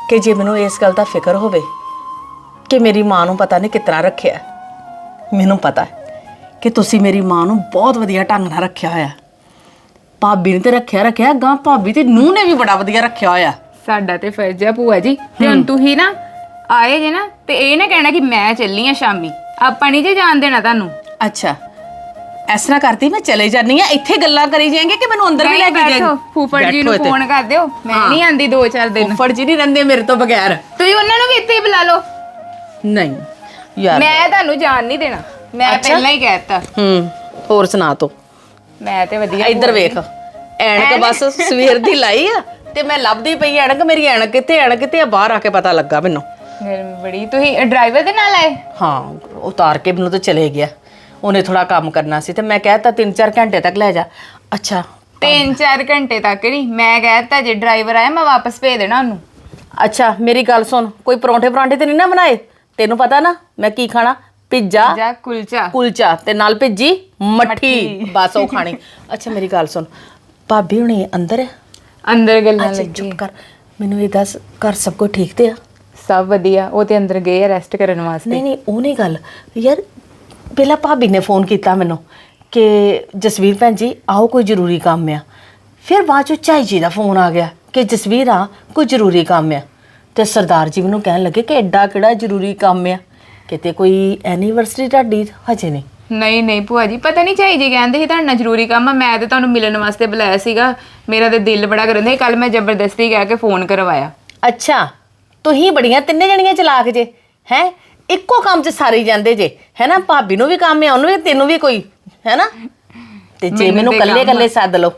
Speaker 5: ਕਿ ਜੇ ਮੈਨੂੰ ਇਸ ਗੱਲ ਦਾ ਫਿਕਰ ਹੋਵੇ ਕਿ ਮੇਰੀ ਮਾਂ ਨੂੰ ਪਤਾ ਨਹੀਂ ਕਿਤਨਾ ਰੱਖਿਆ, ਮੈਨੂੰ ਪਤਾ ਹੈ ਕਿ ਤੁਸੀਂ ਮੇਰੀ ਮਾਂ ਨੂੰ ਬਹੁਤ ਵਧੀਆ ਢੰਗ ਨਾਲ ਰੱਖਿਆ ਹੋਇਆ। ਭਾਬੀ ਨੇ ਤੇ ਰੱਖਿਆ ਰੱਖਿਆ ਗਾਂ ਭਾਬੀ ਤੇ ਨੂੰਹ ਨੇ ਵੀ ਬੜਾ ਵਧੀਆ ਰੱਖਿਆ ਹੋਇਆ।
Speaker 3: ਸਾਡਾ ਤੇ ਫਰਜ਼ ਆ ਭੂਆ ਜੀ, ਤੇ ਹੁਣ ਤੁਸੀਂ ਨਾ ਆਏ ਜੇ ਨਾ ਤੇ ਇਹ ਨਾ ਕਹਿਣਾ ਕਿ ਮੈਂ ਚੱਲੀ ਆ ਸ਼ਾਮੀ, ਆਪਾਂ ਨਹੀਂ ਜੇ ਜਾਣ ਦੇਣਾ ਤੁਹਾਨੂੰ।
Speaker 5: ਅੱਛਾ, ਇਸ ਤਰ੍ਹਾਂ ਕਰਦੀ ਮੈਂ ਚਲੇ ਜਾਨੀ ਆ, ਇੱਥੇ ਗੱਲਾਂ ਕਰੀ ਜਾਏਂਗੇ ਕਿ ਮੈਨੂੰ ਅੰਦਰ ਵੀ ਲੈ ਕੇ
Speaker 3: ਬੈਠੋ,
Speaker 5: ਜਾਏਂਗੇ?
Speaker 3: ਫੂਫੜ ਜੀ ਨੂੰ ਫੋਨ ਕਰ ਦਿਓ, ਮੈਂ ਨਹੀਂ ਆਂਦੀ ਦੋ ਚਾਰ ਦਿਨ।
Speaker 5: ਫੁੱਫੜ ਜੀ ਨਹੀਂ ਰਹਿੰਦੇ ਮੇਰੇ ਤੋਂ ਬਗੈਰ।
Speaker 3: ਤੁਸੀਂ ਉਹਨਾਂ ਨੂੰ ਵੀ ਇੱਥੇ ਹੀ ਬੁਲਾ ਲਓ।
Speaker 5: ਨਹੀਂ ਯਾਰ,
Speaker 3: ਮੈਂ ਤੁਹਾਨੂੰ ਜਾਣ ਨਹੀਂ ਦੇਣਾ, ਮੈਂ ਪਹਿਲਾਂ ਹੀ ਕਹਿਤਾ।
Speaker 5: ਹੂੰ, ਹੋਰ ਸੁਣਾ ਤੂੰ।
Speaker 3: ਮੈਂ ਤੇ ਵਧੀਆ।
Speaker 5: ਇੱਧਰ ਵੇਖ, ਐਣਕ ਬਸ ਸਵੇਰ ਦੀ ਲਾਈ ਆ ਤੇ ਮੈਂ ਲੱਭਦੀ ਪਈ ਐਣਕ, ਮੇਰੀ ਐਣਕ ਕਿੱਥੇ ਐਣਕ ਕਿੱਥੇ ਆ, ਬਾਹਰ ਆ ਕੇ ਪਤਾ ਲੱਗਾ ਮੈਨੂੰ।
Speaker 3: ਗਰਮੀ ਬੜੀ। ਤੁਸੀਂ ਡਰਾਈਵਰ ਦੇ ਨਾਲ ਆਏ?
Speaker 5: ਹਾਂ, ਉਤਾਰ ਕੇ ਮੈਨੂੰ ਤਾਂ ਚਲੇ ਗਿਆ, ਉਹਨੇ ਥੋੜਾ ਕੰਮ ਕਰਨਾ ਸੀ ਤੇ ਮੈਂ ਕਹਿਤਾ ਤਿੰਨ ਚਾਰ ਘੰਟੇ ਤੱਕ ਲੈ ਜਾ। ਅੱਛਾ,
Speaker 3: ਤਿੰਨ ਚਾਰ ਘੰਟੇ ਤੱਕ ਨਹੀਂ, ਮੈਂ ਕਹਿਤਾ ਜੇ ਡਰਾਈਵਰ ਆਇਆ ਮੈਂ ਵਾਪਸ ਭੇਜ ਦੇਣਾ ਉਹਨੂੰ।
Speaker 5: ਅੱਛਾ ਮੇਰੀ ਗੱਲ ਸੁਣ, ਕੋਈ ਪਰੌਂਠੇ ਪਰਾਂਠੇ ਤੇ ਨਹੀਂ ਨਾ ਬਣਾਏ? ਤੈਨੂੰ ਪਤਾ ਨਾ ਮੈਂ ਕੀ ਖਾਣਾ, ਪਿੱਜ਼ਾ
Speaker 3: ਜਾਂ ਕੁਲਚਾ।
Speaker 5: ਕੁਲਚਾ ਤੇ ਨਾਲ ਭਿੱਜੀ ਮੱਠੀ, ਬਸ ਉਹ ਖਾਣੀ। ਅੱਛਾ ਮੇਰੀ ਗੱਲ ਸੁਣ, ਭਾਬੀ ਹੁਣੀ ਅੰਦਰ ਹੈ?
Speaker 3: ਅੰਦਰ ਗੱਲਾਂ
Speaker 5: ਅੱਛਾ
Speaker 3: ਲੱਗੀ।
Speaker 5: ਚੁੱਪ ਕਰ, ਮੈਨੂੰ ਇਹ ਦੱਸ ਘਰ ਸਭ ਕੁਝ ਠੀਕ ਤੇ ਆ?
Speaker 3: ਸਭ ਵਧੀਆ, ਉਹ ਤੇ ਅੰਦਰ ਗਏ ਆ ਰੈਸਟ ਕਰਨ ਵਾਸਤੇ।
Speaker 5: ਨਹੀਂ ਨਹੀਂ ਉਹ ਨਹੀਂ ਗੱਲ ਯਾਰ, ਪਹਿਲਾਂ ਭਾਬੀ ਨੇ ਫੋਨ ਕੀਤਾ ਮੈਨੂੰ ਕਿ ਜਸਵੀਰ ਭੈਣ ਜੀ ਆਓ ਕੋਈ ਜ਼ਰੂਰੀ ਕੰਮ ਆ, ਫਿਰ ਬਾਅਦ ਚੋਂ ਝਾਈ ਜੀ ਦਾ ਫੋਨ ਆ ਗਿਆ ਕਿ ਜਸਵੀਰ ਆ ਕੋਈ ਜ਼ਰੂਰੀ ਕੰਮ ਆ, ਤੇ ਸਰਦਾਰ ਜੀ ਮੈਨੂੰ ਕਹਿਣ ਲੱਗੇ ਕਿ ਐਡਾ ਕਿਹੜਾ ਜ਼ਰੂਰੀ ਕੰਮ ਆ, ਕਿਤੇ ਕੋਈ ਐਨੀਵਰਸਰੀ ਤੁਹਾਡੀ? ਹਜੇ ਨਹੀਂ।
Speaker 3: ਨਹੀਂ ਨਹੀਂ ਭੂਆ ਜੀ, ਪਤਾ ਨਹੀਂ ਝਾਈ ਜੀ ਕਹਿੰਦੇ ਸੀ ਤੁਹਾਡੇ ਨਾਲ ਜ਼ਰੂਰੀ ਕੰਮ ਆ, ਮੈਂ ਤੇ ਤੁਹਾਨੂੰ ਮਿਲਣ ਵਾਸਤੇ ਬੁਲਾਇਆ ਸੀਗਾ, ਮੇਰਾ ਤੇ ਦਿਲ ਬੜਾ ਕਰਨ ਡਿਆ, ਕੱਲ ਮੈਂ ਜ਼ਬਰਦਸਤੀ ਕਹਿ ਕੇ ਫੋਨ ਕਰਵਾਇਆ।
Speaker 5: ਅੱਛਾ, ਤੁਸੀਂ ਬੜੀਆਂ ਤਿੰਨੇ ਜਣੀਆਂ ਚਲਾਕ ਜੇ ਹੈ, ਇੱਕੋ ਕੰਮ 'ਚ ਸਾਰੀ ਜਾਂਦੇ ਜੇ ਹੈ ਨਾ, ਭਾਬੀ ਨੂੰ ਵੀ ਕੰਮ ਆ, ਉਹਨੂੰ ਵੀ, ਤੈਨੂੰ ਵੀ ਕੋਈ ਹੈ ਨਾ, ਤੇ ਜੇ ਮੈਨੂੰ ਕੱਲੇ ਕੱਲੇ ਸੱਦ ਲਓ।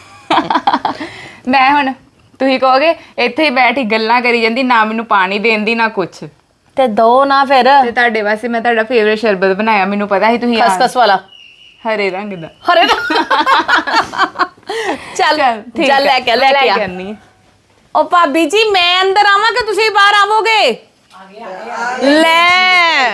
Speaker 3: ਮੈਂ ਹੁਣ ਤੁਸੀਂ ਕਹੋਗੇ ਇੱਥੇ ਹੀ ਬੈਠੀ ਗੱਲਾਂ ਕਰੀ ਜਾਂਦੀ, ਨਾ ਮੈਨੂੰ ਪਾਣੀ ਦੇਣ ਦੀ ਨਾ ਕੁਛ,
Speaker 5: ਤੇ ਦੋ ਨਾ ਫਿਰ।
Speaker 3: ਤੇ ਤੁਹਾਡੇ ਵਾਸਤੇ ਮੈਂ ਤੁਹਾਡਾ ਫੇਵਰੇਟ ਸ਼ਰਬਤ ਬਣਾਇਆ, ਮੈਨੂੰ ਪਤਾ ਸੀ ਤੁਸੀਂ
Speaker 5: ਖਸਖਸ ਵਾਲਾ
Speaker 3: ਹਰੇ ਰੰਗ ਦਾ।
Speaker 5: ਹਰੇ ਚੱਲ
Speaker 3: ਠੀਕ
Speaker 5: ਚੱਲ ਲੈ ਕੇ ਲੈ ਕੇ ਆ।
Speaker 3: ਆਨੀ।
Speaker 5: ਉਹ ਭਾਬੀ ਜੀ ਮੈਂ ਅੰਦਰ ਆਵਾਂ ਕਿ ਤੁਸੀਂ ਬਾਹਰ ਆਵੋਗੇ? ਲੈ